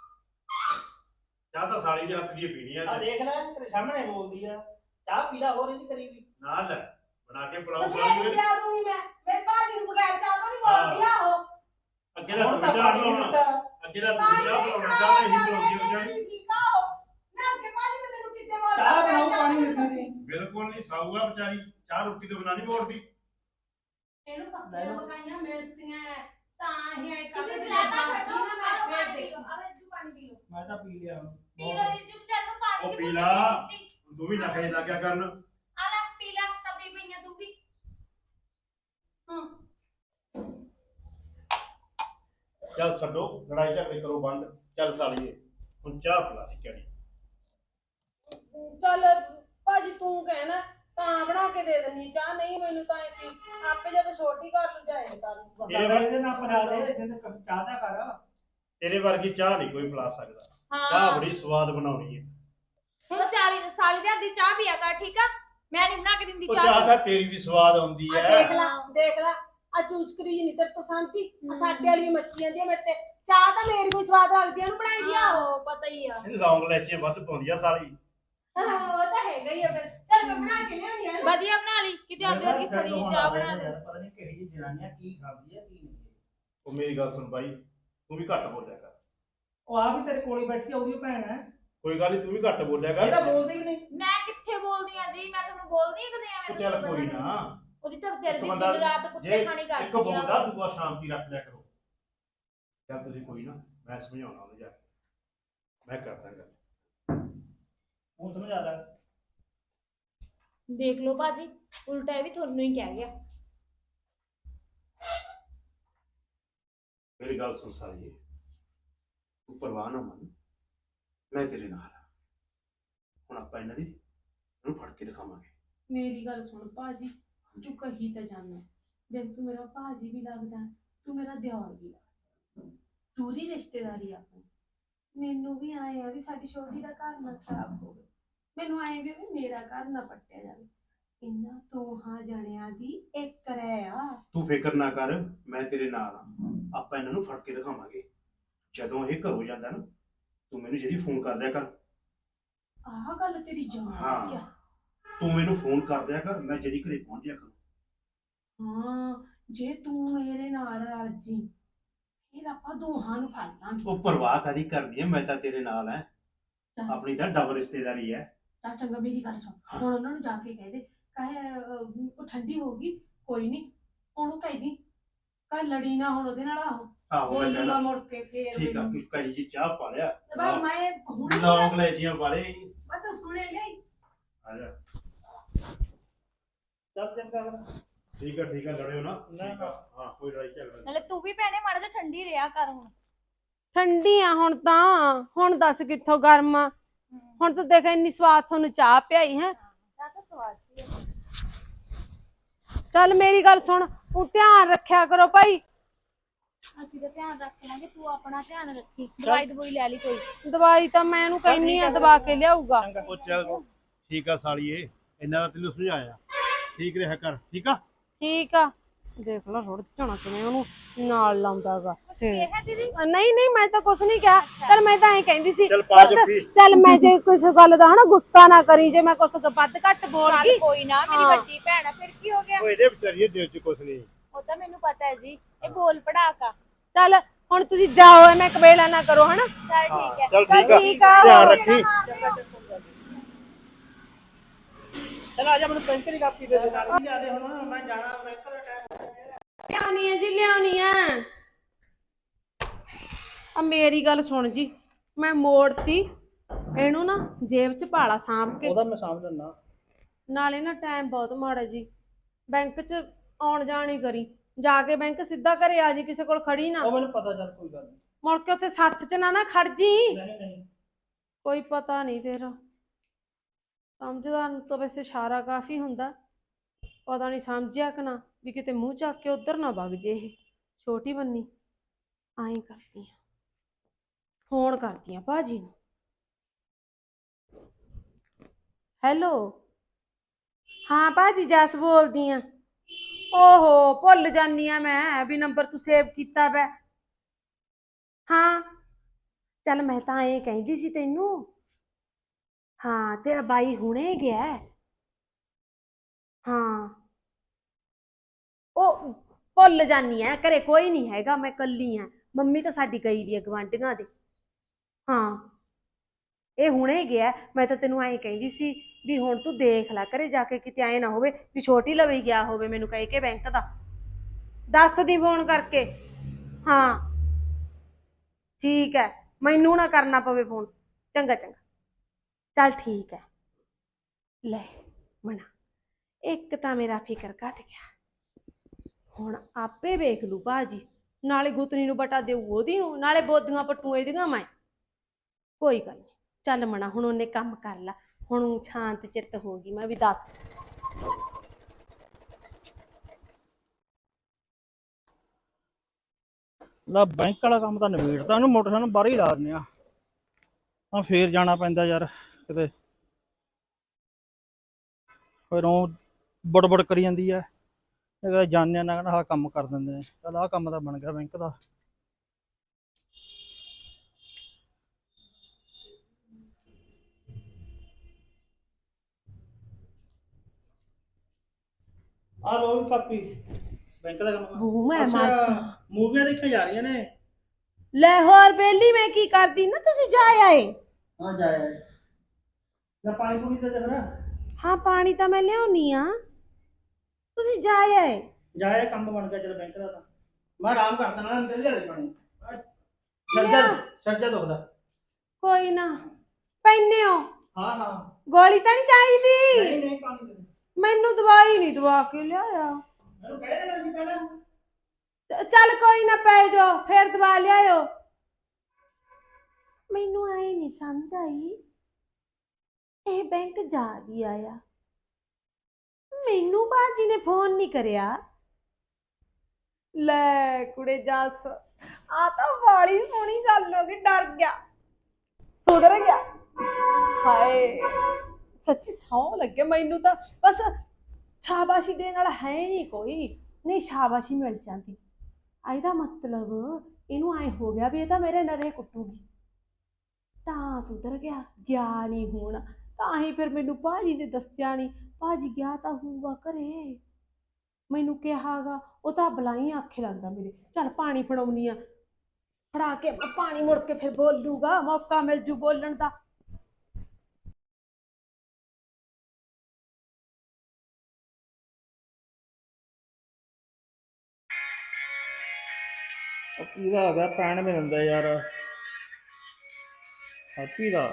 S2: ਚਾਹ ਤਾਂ ਸਾਲੀ ਦੇ ਹੱਥ ਦੀ ਪੀਣੀ
S7: ਆ
S2: ਆ ਅੱਜ।
S7: ਦੇਖ ਲੈ ਤੇਰੇ ਸਾਹਮਣੇ ਬੋਲਦੀ ਆ। ਚਾਹ ਪੀ ਲੈ, ਹੋਰ ਇਹਦੀ ਕਰੀ ਵੀ।
S2: ਨਾ ਲੈ ਬਣਾ ਕੇ ਪਿਲਾਓ
S1: ਬਥੇਰੀ
S2: ਸਾਲੀ ਨੂੰ।
S1: ਪਿਆ ਦੂੰਗੀ ਮੈਂ, ਮੇਰੇ ਭਾਜੀ ਨੂੰ ਬਗੈਰ ਚਾਹ ਤੋਂ ਨਹੀਂ ਬੋਲਦੀ ਆ ਉਹ।
S2: ਅੱਗੇ ਦਾ
S7: ਹੁਣ
S2: ਤੂੰ
S7: ਤਾਂ
S2: ਚਾਹ
S7: ਪਾਣੀ ਵੀ
S2: ਪਿਲਾਉਣਾ,
S7: ਦਿੱਤਾ।
S2: ਅੱਗੇ ਦਾ ਤੂੰ ਚਾਹ ਪਿਲਾਉਣਾ, ਚਾਹ ਨਹੀਂ ਪਿਲਾਉਂਦੀ ਉਹ ਜਾਨੀ।
S1: ਠੀਕ ਆ ਉਹ। ਮੈਂ ਅੱਗੇ ਭਾਜੀ ਨੇ ਤੈਨੂੰ ਕਿੱਥੇ ਬੋਲਦਾ?
S7: ਚਾਹ ਬਣਾਓ, ਪਾਣੀ ਦਿੱਤੀ ਸੀ।
S2: ਬਿਲਕੁਲ ਨਹੀਂ ਸਾਊ ਆ ਵਿਚਾਰੀ, ਚਾਹ ਰੋਟੀ ਤੋਂ ਬਿਨਾਂ ਨਹੀਂ ਮੋੜਦੀ।
S1: ਇਹਨੂੰ ਪੱਕੀਆਂ ਮਕਾਈਆਂ ਮਿਲਦੀਆਂ ਤਾਂ ਹੀ ਆਈ
S4: ਤੁਸੀਂ
S1: ਕਰਦੇ
S4: ਸਲਾਟਾ ਛੱਡੋ,
S1: ਨਾ ਮੈਂ
S4: ਆਹ
S1: ਫੇਰ
S4: ਪਾਣੀ ਪੀ
S1: ਦੇਖ।
S4: ਲਓ, ਆਹ ਲੈ ਪਾਣੀ ਪੀ ਲਓ।
S7: ਮੈਂ ਤਾਂ ਪੀ ਲਿਆ ਹੁਣ।
S4: ਪੀ ਲਓ ਜੀ, ਵਿਚਾਰ ਨੂੰ ਪਾਣੀ
S2: ਉਹ
S4: ਦੀ
S2: ਪੀ
S4: ਘੁੱਟ
S2: ਲਾ।
S4: ਨਹੀਂ ਦਿੱਤੀ।
S2: ਤੂੰ ਵੀ ਨਖਰੇ ਲੱਗਿਆ ਕਰਨ।
S4: ਆ ਲੈ ਪੀ ਲੈ, ਤੱਪੀ ਪਈਆਂ ਤੂੰ ਵੀ।
S2: ਚੱਲ ਛੱਡੋ ਲੜਾਈ ਝਗੜੇ ਕਰੋ ਬੰਦ। ਚੱਲ ਸਾਲੀਏ ਹੁਣ ਚਾਹ ਪਿਲਾ ਦੇ ਕਿਹੜੀ।
S1: ਚੱਲ ਭਾਜੀ ਤੂੰ ਕਹਿਣਾ ਤਾਂ ਬਣਾ ਕੇ ਦੇ ਦੇਣੀ ਚਾਹ, ਨਹੀਂ ਮੈਨੂੰ ਤਾਂ ਐਸੀ ਆਪੇ ਜਦ ਛੋਟੀ ਕਰ ਲੂ ਜਾਏ ਕਰ ਲੂਗਾ।
S2: ਇਹ
S7: ਇਹ ਇਹਦੇ ਨਾਲ ਪੜਾ ਦੇ, ਇਹਦੇ ਚਾਹ ਦਾ ਕਰ।
S2: ਤੇਰੇ ਵਰਗੀ ਚਾਹ ਨਹੀਂ ਕੋਈ ਪਿਲਾ ਸਕਦਾ। ਚਾਹ ਬੜੀ ਸਵਾਦ ਬਣਾਉਣੀ ਹੈ।
S4: ਹੁਣ ਸਾਲੀ ਦੇ ਹੱਥ ਦੀ ਚਾਹ ਪੀਆ ਕਰ, ਠੀਕ ਆ? ਮੈਂ ਨਹੀਂ ਬਣਾ ਕੇ ਦਿੰਦੀ
S2: ਉਹ ਚਾਹ ਤਾਂ ਤੇਰੀ ਵੀ ਸਵਾਦ ਆਉਂਦੀ
S1: ਆ
S2: ਹੈ।
S1: ਦੇਖ ਲੈ ਆ ਚੂਚਕਰੀ ਜੀ ਨਹੀਂ ਤੇਰੇ ਤੋਂ ਸੰਤੀ, ਆ ਸਾਡੇ ਵਾਲੀ ਵੀ ਮੱਚੀ ਜਾਂਦੀ ਆ ਮੇਰੇ ਤੇ। ਚਾਹ ਤਾਂ ਮੇਰੀ ਕੋਈ ਸਵਾਦ ਲੱਗਦੀ ਆ, ਉਹਨੂੰ ਬਣਾਈ ਦੀ ਆ।
S4: ਆਹੋ ਪਤਾ ਹੀ ਆ।
S2: ਇਹ ਲੌਂਗ ਲੈਚੀਆਂ ਵੱਧ ਪਾਉਂਦੀ ਆ ਸਾਲੀ।
S1: ਹਾਂ ਉਹ ਤਾਂ ਹੈਗਾ ਹੀ ਆ ਫਿਰ ਚੱਲ ਮੈਂ ਬਣਾ ਕੇ ਲਿਆਉਣੀ ਆ ਨਾ।
S4: ਵਧੀਆ ਬਣਾ ਲਈ ਕਿਤੇ ਆਪਦੀ ਵਰਗੀ ਸੜੀ ਜਿਹੀ ਚਾਹ ਬਣਾ ਦੇ।
S2: ਪਤਾ ਨਹੀਂ ਕਿਹੜੀ ਜਿਹੀ ਜਨਾਨੀਆਂ ਕੀ ਖਾਂਦੀ ਆ ਕੀ ਨਹੀਂ।
S8: ਉਹ ਮੇਰੀ ਗੱਲ ਸੁਣ ਬਾਈ, ਤੂੰ ਵੀ ਘੱਟ ਬੋਲਿਆ ਕਰ।
S2: ਉਹ ਆ ਵੀ ਤੇਰੇ ਕੋਲੇ ਬੈਠੀ ਆ, ਉਹਦੀ ਭੈਣ ਹੈ।
S8: ਕੋਈ ਗੱਲ ਨਹੀਂ, ਤੂੰ ਵੀ ਘੱਟ ਬੋਲਿਆ
S2: ਇਹ ਤਾਂ
S8: ਕਰ।
S2: ਬੋਲਦੀ ਵੀ ਨਹੀਂ।
S4: ਮੈਂ ਕਿੱਥੇ ਬੋਲਦੀ ਆ ਜੀ, ਮੈਂ ਤੁਹਾਨੂੰ ਬੋਲਦੀ ਆ ਕਦੇ
S8: ਉਹ
S4: ਐਵੇਂ।
S8: ਚੱਲ ਕੋਈ ਨਾ,
S4: ਉਹਦੀ ਤਾਂ ਵਿਚਾਰੀ
S8: ਇੱਕ
S4: ਦੀ
S8: ਬੰਦਾ
S4: ਦਿਨ ਰਾਤ ਕੁੱਤੇ
S8: ਜੇ
S4: ਖਾਣੀ
S8: ਇੱਕ
S4: ਕਰਦੀ
S8: ਬੋਲਦਾ
S4: ਆ।
S8: ਦੂਆ ਸ਼ਾਂਤੀ ਰੱਖ ਲਿਆ ਕਰੋ। ਚੱਲ ਤੁਸੀਂ ਕੋਈ ਨਾ, ਮੈਂ ਸਮਝਾਉਣਾ ਉਹਨੂੰ ਜਾ ਕੇ, ਮੈਂ ਕਰਦਾ ਗੱਲ।
S2: ਉਹ ਸਮਝਾ ਲੈ।
S4: ਦੇਖ ਲਓ ਭਾਜੀ, ਉਲਟਾ ਇਹ ਵੀ ਤੁਹਾਨੂੰ ਹੀ ਕਹਿ ਗਿਆ।
S8: ਮੇਰੀ ਗੱਲ ਸੁਣ ਸਾਰੀਏ, ਤੂੰ ਪਰਵਾਹ ਨਾ ਮੰਨ, ਮੈਂ ਤੇਰੇ ਨਾਲ ਆ। ਹੁਣ ਆਪਾਂ ਇਹਨਾਂ ਦੀ ਨੂੰ ਫੜ ਕੇ ਦਿਖਾਵਾਂਗੇ।
S5: ਮੇਰੀ ਗੱਲ ਸੁਣ ਭਾਜੀ, ਤੂੰ ਕਹੀ ਤਾਂ ਜਾਨਾ ਦੇਖ, ਤੂੰ ਮੇਰਾ ਭਾਜੀ ਵੀ ਲੱਗਦਾ, ਤੂੰ ਮੇਰਾ ਦਿਓਰ ਵੀ ਲੱਗਦਾ, ਦੂਰੀ ਰਿਸ਼ਤੇਦਾਰੀ ਆਪਣੀ। ਮੈਨੂੰ ਵੀ ਆਏ ਆ ਵੀ ਸਾਡੀ ਛੋਟੀ ਦਾ ਘਰ ਨਾ ਖਰਾਬ ਹੋਵੇ, ਮੈਨੂੰ ਆਏ ਵੀ ਮੇਰਾ ਘਰ ਨਾ ਪੱਟਿਆ ਜਾਵੇ। ਇਹਨਾਂ ਦੋਹਾਂ ਜਣਿਆਂ ਦੀ ਇੱਕ ਰਹਿ ਆ।
S8: ਤੂੰ ਫਿਕਰ ਨਾ ਕਰ, ਮੈਂ ਤੇਰੇ ਨਾਲ ਆ। ਆਪਾਂ ਇਹਨਾਂ ਨੂੰ ਫੜ ਕੇ ਦਿਖਾਵਾਂਗੇ। ਜਦੋਂ ਇਹ ਘਰੋਂ ਜਾਂਦਾ ਨਾ, ਤੂੰ ਮੈਨੂੰ ਜਿਹੜੀ ਫੋਨ ਕਰ ਦਿਆ ਕਰ।
S5: ਆਹ ਗੱਲ ਤੇਰੀ ਜਾਨ ਦੀ
S8: ਹਾਂ।
S5: ਆ।
S8: ਤੂੰ ਮੈਨੂੰ ਫੋਨ ਕਰ ਦਿਆ ਕਰ, ਮੈਂ ਜਦੀ ਘਰੇ ਪਹੁੰਚ ਜਾ ਕਰ।
S5: ਹਾਂ, ਜੇ ਤੂੰ ਮੇਰੇ ਨਾਲ ਰਲ ਜੀ ਫਿਰ ਆਪਾਂ ਦੋਹਾਂ ਨੂੰ ਫੜ ਲਾਂਗੇ।
S8: ਉਹ ਪਰਵਾਹ ਕਾਦੀ ਕਰਦੀ ਐ, ਮੈਂ ਤਾਂ ਤੇਰੇ ਨਾਲ ਐ। ਆਪਣੀ ਤਾਂ ਡਬਲ ਰਿਸ਼ਤੇਦਾਰੀ ਐ।
S5: ਚੱਲ ਚੰਗਾ, ਮੇਰੀ ਗੱਲ ਸੁਣ, ਹੁਣ ਉਹਨਾਂ ਨੂੰ ਜਾ ਕੇ ਕਹਿ ਦੇ, ਕਹੇ ਉਹ ਠੰਡੀ ਹੋ ਗਈ, ਕੋਈ ਨਹੀਂ ਉਹਨੂੰ ਕਹਿ ਦੀ, ਕਹੇ ਲੜੀ ਨਾ ਹੁਣ ਉਹਦੇ ਨਾਲ। ਆਹੋ
S8: ਆਹੋ ਮੈਂ
S5: ਬੋਲੂਗਾ
S8: ਕਹਿਣਾ
S5: ਮੁੜ ਕੇ ਫੇਰ
S8: ਠੀਕ ਆ,
S5: ਮੈਨੂੰ।
S8: ਕਿ ਕਹੀ ਜੀ ਚਾਹ ਪਾ ਲਿਆ,
S5: ਤੇ ਬਸ ਮੈਂ ਹੁਣੇ
S8: ਲੌਂਗ ਲੈਚੀਆਂ ਪਾ ਲੈ।
S5: ਬਸ ਹੁਣੇ ਲਈ।
S8: ਆ ਜਾ।
S2: ਚੱਲ ਚੰਗਾ ਫਿਰ।
S8: ਠੀਕ ਆ, ਲੜਿਓ ਨਾ। ਹਾਂ, ਕੋਈ ਲੜਾਈ ਝਗੜਾ ਨਹੀਂ।
S4: ਨਾਲੇ ਤੂੰ ਵੀ ਭੈਣੇ ਮਾੜਾ ਜਿਹਾ ਠੰਡੀ ਰਿਹਾ ਕਰ ਹੁਣ।
S5: ਠੰਡੀ ਆ ਹੁਣ ਤਾਂ, ਹੁਣ ਦੱਸ ਕਿੱਥੋਂ ਗਰਮ ਆ। ਹੁਣ ਤਾਂ ਦੇਖ ਇੰਨੀ ਸਵਾਦ ਤੁਹਾਨੂੰ ਚਾਹ ਪਿਆਈ ਹੈ।
S4: ਚਾਹ ਤਾਂ ਸਵਾਦ ਸੀ।
S5: ਚੱਲ ਮੇਰੀ ਗੱਲ ਸੁਣ, ਤੂੰ ਧਿਆਨ ਰੱਖਿਆ ਕਰੋ ਭਾਈ।
S4: ਅਸੀਂ ਤਾਂ ਧਿਆਨ ਰੱਖ ਲਾਂਗੇ, ਤੂੰ ਆਪਣਾ ਧਿਆਨ ਰੱਖੀ। ਦਵਾਈ ਦਵਾਈ ਲੈ ਲਈ ਕੋਈ।
S5: ਦਵਾਈ ਤਾਂ ਮੈਂ ਇਹਨੂੰ ਕਹਿੰਨੀ ਆ ਦਵਾ ਕੇ ਲਿਆਊਗਾ।
S8: ਉਹ ਚੱਲ ਠੀਕ ਆ ਸਾਲੀਏ, ਇੰਨਾ ਤਾਂ ਤੈਨੂੰ ਸਮਝਾਇਆ। ਠੀਕ ਰਿਹਾ ਕਰ, ਠੀਕ ਆ।
S5: ਠੀਕ ਆ, ਦੇਖ ਲਾ ਰੁੜ ਜਾਣਾ ਕਿਵੇਂ ਉਹਨੂੰ ਨਾਲ ਲਾਉਂਦਾਗਾ।
S4: ਕਿਹਾ ਦੀਦੀ?
S5: ਨਹੀਂ ਨਹੀਂ, ਮੈਂ ਤਾਂ ਕੁਛ ਨਹੀਂ ਕਿਹਾ। ਚੱਲ ਮੈਂ ਤਾਂ ਐਂ ਕਹਿੰਦੀ ਸੀ,
S8: ਚੱਲ ਪਾ ਜੱਫੀ।
S5: ਚੱਲ ਮੈਂ ਜੇ ਕਿਸੇ ਗੱਲ ਦਾ ਹਨਾ ਗੁੱਸਾ ਨਾ ਕਰੀ, ਜੇ ਮੈਂ ਕੁਛ ਵੱਧ ਘੱਟ ਬੋਲ
S4: ਚੱਲ
S5: ਗਈ।
S4: ਕੋਈ ਨਾ, ਮੇਰੀ
S5: ਹਾਂ।
S4: ਵੱਡੀ ਭੈਣ ਆ, ਫਿਰ ਕੀ ਹੋ ਗਿਆ?
S8: ਉਹ ਇਹਦੇ ਵਿਚਾਰੀਏ ਦਿਲ 'ਚ ਕੁਛ ਨਹੀਂ।
S4: ਉਹ ਤਾਂ ਮੈਨੂੰ ਪਤਾ ਹੈ ਜੀ, ਇਹ ਬੋਲ ਪੜਾਕਾ।
S5: ਚੱਲ ਹੁਣ ਤੁਸੀਂ ਜਾਓ, ਮੈਂ ਕਬੇਲਾ ਨਾ ਕਰੋ ਹਨਾ।
S4: ਚੱਲ ਠੀਕ ਹੈ।
S8: ਚੱਲ
S5: ਚੱਲ ਠੀਕ ਆ।
S8: ਧਿਆਨ ਰੱਖੀ।
S2: ਚਲ ਆ ਜਾ, ਮੈਨੂੰ ਬੈਂਕ ਦੀ ਕਾਪੀ ਦੇ ਦੇ ਨਾਲ ਵੀ ਲਿਆ ਦੇ, ਹੁਣ ਮੈਂ ਜਾਣਾ ਬੈਂਕ ਦਾ ਟਾਈਮ।
S5: ਲਿਆਉਣੀ ਹੈ ਜੀ, ਲਿਆਉਣੀ ਹੈ। ਆ ਮੇਰੀ ਗੱਲ ਸੁਣ ਜੀ, ਮੈਂ ਮੋੜਤੀ ਇਹਨੂੰ ਨਾ ਜੇਬ 'ਚ ਪਾਲਾ ਸਾਂਭ ਕੇ।
S2: ਉਹਦਾ ਮੈਂ ਸਾਂਭ ਦਿੰਦਾ।
S5: ਨਾਲੇ ਨਾ ਟਾਈਮ ਬਹੁਤ ਮਾੜਾ ਜੀ, ਬੈਂਕ 'ਚ ਆਉਣ ਜਾਣ ਹੀ ਕਰੀ, ਜਾ ਕੇ ਬੈਂਕ ਸਿੱਧਾ ਘਰੇ ਆ ਜੀ, ਕਿਸੇ ਕੋਲ ਖੜੀ ਨਾ।
S2: ਉਹ ਮੈਨੂੰ ਪਤਾ, ਚੱਲ ਕੋਈ ਗੱਲ ਨਹੀਂ।
S5: ਮੁੜ ਕੇ ਉੱਥੇ ਸੱਥ 'ਚ ਨਾ ਖੜ ਜੀ।
S2: ਨਹੀਂ
S5: ਕੋਈ ਪਤਾ ਨਹੀਂ ਤੇਰਾ, ਸਮਝਦਾਰ ਨੂੰ ਤਾਂ ਵੈਸੇ ਇਸ਼ਾਰਾ ਕਾਫੀ ਹੁੰਦਾ। ਪਤਾ ਨਹੀਂ ਸਮਝਿਆ ਕਿ ਨਾ, ਵੀ ਕਿਤੇ ਮੂੰਹ ਚੱਕ ਕੇ ਉਧਰ ਨਾ ਵਗ ਜੇ ਇਹ ਛੋਟੀ ਬੰਨੀ। ਆਈ ਕਰਦੀ ਆ, ਫੋਨ ਕਰਦੀ ਆ ਭਾਜੀ ਨੂੰ। ਹੈਲੋ, ਹਾਂ ਭਾਜੀ, ਜਸ ਬੋਲਦੀ ਆ। ਓਹੋ, ਭੁੱਲ ਜਾਨੀ ਆ ਮੈਂ ਵੀ ਨੰਬਰ ਤੂੰ ਸੇਵ ਕੀਤਾ ਵੈ। ਹਾਂ ਚੱਲ, ਮੈਂ ਤਾਂ ਇਹ ਕਹਿੰਦੀ ਸੀ ਤੈਨੂੰ, ਹਾਂ ਤੇਰਾ ਬਾਈ ਹੁਣੇ ਗਿਆ। ਹਾਂ ਉਹ ਭੁੱਲ ਜਾਨੀ ਆ, ਘਰੇ ਕੋਈ ਨਹੀਂ ਹੈਗਾ, ਮੈਂ ਕੱਲੀ ਆ। ਮੰਮੀ ਤਾਂ ਸਾਡੀ ਗਈ ਦੀ ਆ ਗਵਾਂਢੀਆਂ ਦੇ। ਹਾਂ ਇਹ ਹੁਣੇ ਗਿਆ। ਮੈਂ ਤਾਂ ਤੈਨੂੰ ਐਂ ਕਹਿੰਦੀ ਸੀ ਵੀ ਹੁਣ ਤੂੰ ਦੇਖ ਲੈ ਘਰੇ ਜਾ ਕੇ, ਕਿਤੇ ਐਂ ਨਾ ਹੋਵੇ ਵੀ ਛੋਟੀ ਲਵੇ ਗਿਆ ਹੋਵੇ ਮੈਨੂੰ ਕਹਿ ਕੇ ਬੈਂਕ ਦਾ। ਦੱਸ ਦੀ ਫੋਨ ਕਰਕੇ। ਹਾਂ ਠੀਕ ਹੈ, ਮੈਨੂੰ ਨਾ ਕਰਨਾ ਪਵੇ ਫੋਨ। ਚੰਗਾ ਚੰਗਾ, ਚੱਲ ਠੀਕ ਹੈ। ਲੈ ਮਨਾ, ਇੱਕ ਤਾਂ ਮੇਰਾ ਫਿਕਰ ਘਟ ਗਿਆ। ਹੁਣ ਆਪੇ ਵੇਖ ਲੂ ਭਾਜੀ, ਨਾਲੇ ਗੁੱਤਨੀ ਨੂੰ ਬਟਾ ਦੇਊ ਉਹਦੀ ਨੂੰ, ਨਾਲੇ ਬੋਦੀਆਂ ਪੱਟੂ ਇਹਦੀਆਂ ਮੈਂ। ਕੋਈ ਗੱਲ ਨਹੀਂ, ਚੱਲ ਮਨਾ, ਹੁਣ ਉਹਨੇ ਕੰਮ ਕਰ ਲਾ। ਹੁਣ ਸ਼ਾਂਤ ਚਿੱਤ ਹੋ ਗਈ ਮੈਂ ਵੀ। ਦੱਸ
S2: ਲਾ, ਬੈਂਕ ਵਾਲਾ ਕੰਮ ਤਾਂ ਨਿਬੇੜਤਾ, ਇਹਨੂੰ ਮੋਟਰਸਾਈਕਲ ਬਾਹਰ ਹੀ ਲਾ ਦਿੰਦੇ ਆ। ਆ ਫੇਰ ਜਾਣਾ ਪੈਂਦਾ ਯਾਰ ਕਿਤੇ, ਫਿਰ ਉਹ ਬੜਬੜ ਕਰੀ ਜਾਂਦੀ ਆ। ਇਹ ਜਾਣਿਆ ਨਾ ਕਹਿੰਦਾ ਆਹ ਕੰਮ ਕਰ ਦਿੰਦੇ ਨੇ। ਚੱਲ ਆਹ ਕੰਮ ਤਾਂ ਬਣ ਗਿਆ ਬੈਂਕ ਦਾ। ਆ ਲੋ ਵੀ ਕਾਪੀ ਬੈਂਕ ਦਾ ਕੰਮ
S1: ਬੂ ਮੈਂ ਮਰ ਜਾ।
S2: ਮੂਵੀਆਂ ਦੇਖਣ ਜਾ ਰਹੀਆਂ ਨੇ।
S1: ਲੈ ਹੋਰ ਬੇਲੀ ਮੈਂ ਕੀ ਕਰਦੀ ਨਾ, ਤੁਸੀਂ ਜਾ ਆਏ।
S2: ਹਾਂ ਜਾਇਆ ਜਾਂ ਪਾਣੀ ਪੂਣੀ ਤੇ ਫਿਰ
S1: ਹਾਂ ਪਾਣੀ ਤਾਂ ਮੈਂ ਲਿਆਉਣੀ ਆ, ਤੁਸੀਂ ਜਾ ਆਏ।
S2: ਜਾਇਆ ਕੰਮ ਬਣ ਗਿਆ ਚਲ ਬੈਂਕ ਦਾ ਤਾਂ ਮੈਂ ਆਰਾਮ ਕਰਦਾ ਨਾ ਅੰਦਰ ਲਿਆ ਦੇ ਪਾਣੀ ਸਰਜਾ ਦੁਖਦਾ।
S1: ਕੋਈ ਨਾ ਪੈਨੇ ਹੋ,
S2: ਹਾਂ ਹਾਂ
S1: ਗੋਲੀ ਤਾਂ ਨਹੀਂ ਚਾਹੀਦੀ।
S2: ਨਹੀਂ ਨਹੀਂ ਪਾਣੀ ਦੇ
S1: ਮੈਨੂੰ ਦਵਾਈ ਨਹੀਂ ਦਵਾ ਕੇ ਲਿਆਇਆ।
S2: ਮੈਨੂੰ ਕਹਿ ਦੇਣਾ ਸੀ ਪਹਿਲਾਂ।
S1: ਚੱਲ ਕੋਈ ਨਾ ਪੈ ਜਾਓ ਫੇਰ ਦਵਾ ਲਿਆਇਓ। ਮੈਨੂੰ ਆਏ ਨਹੀਂ ਸਮਝ ਆਈ, ਇਹ ਬੈਂਕ ਜਾ ਵੀ ਆਇਆ, ਮੈਨੂੰ ਬਾਜੀ ਨੇ ਫੋਨ ਨਹੀਂ ਕਰਿਆ। ਲੈ ਕੁੜੇ ਜੱਸ, ਆ ਤਾਂ ਵਾਲੀ ਸੋਹਣੀ ਗੱਲ ਹੋ ਗਈ, ਡਰ ਗਿਆ ਸੁਧਰ ਗਿਆ। ਹਾਏ ਸੱਚੀ ਸੌਂ ਲੱਗੇ ਮੈਨੂੰ ਤਾਂ, ਬਸ ਸ਼ਾਬਾਸ਼ੀ ਦੇਣ ਵਾਲਾ ਹੈ ਨਹੀਂ ਕੋਈ, ਨਹੀਂ ਸ਼ਾਬਾਸ਼ੀ ਮਿਲ ਜਾਂਦੀ। ਇਹਦਾ ਮਤਲਬ ਇਹਨੂੰ ਐ ਹੋ ਗਿਆ ਵੀ ਇਹ ਤਾਂ ਮੇਰੇ ਨਰੇ ਕੁੱਟੂਗੀ, ਤਾਂ ਸੁਧਰ ਗਿਆ। ਗਿਆ ਨਹੀਂ ਹੁਣ, ਤਾਂ ਹੀ ਫਿਰ ਮੈਨੂੰ ਭਾਜੀ ਨੇ ਦੱਸਿਆ ਨਹੀਂ। ਭਾਜੀ ਗਿਆ ਤਾਂ ਹੋਊਗਾ ਘਰੇ, ਮੈਨੂੰ ਕਿਹਾਗਾ, ਉਹ ਤਾਂ ਬਲਾਈ ਆਖੇ ਲੱਗਦਾ ਮੇਰੇ। ਚੱਲ ਪਾਣੀ ਫੜਾਉਣੀ ਆ, ਫੜਾ ਕੇ ਪਾਣੀ ਮੁੜ ਕੇ ਫਿਰ ਬੋਲੂਗਾ, ਮੌਕਾ ਮਿਲ ਜੂ ਬੋਲਣ ਦਾ।
S2: ਕਿਹਦਾ ਆ ਗਿਆ ਪੈਣ ਮਿਲ ਜਾਂਦਾ ਯਾਰ, ਹੈਪੀ ਦਾ।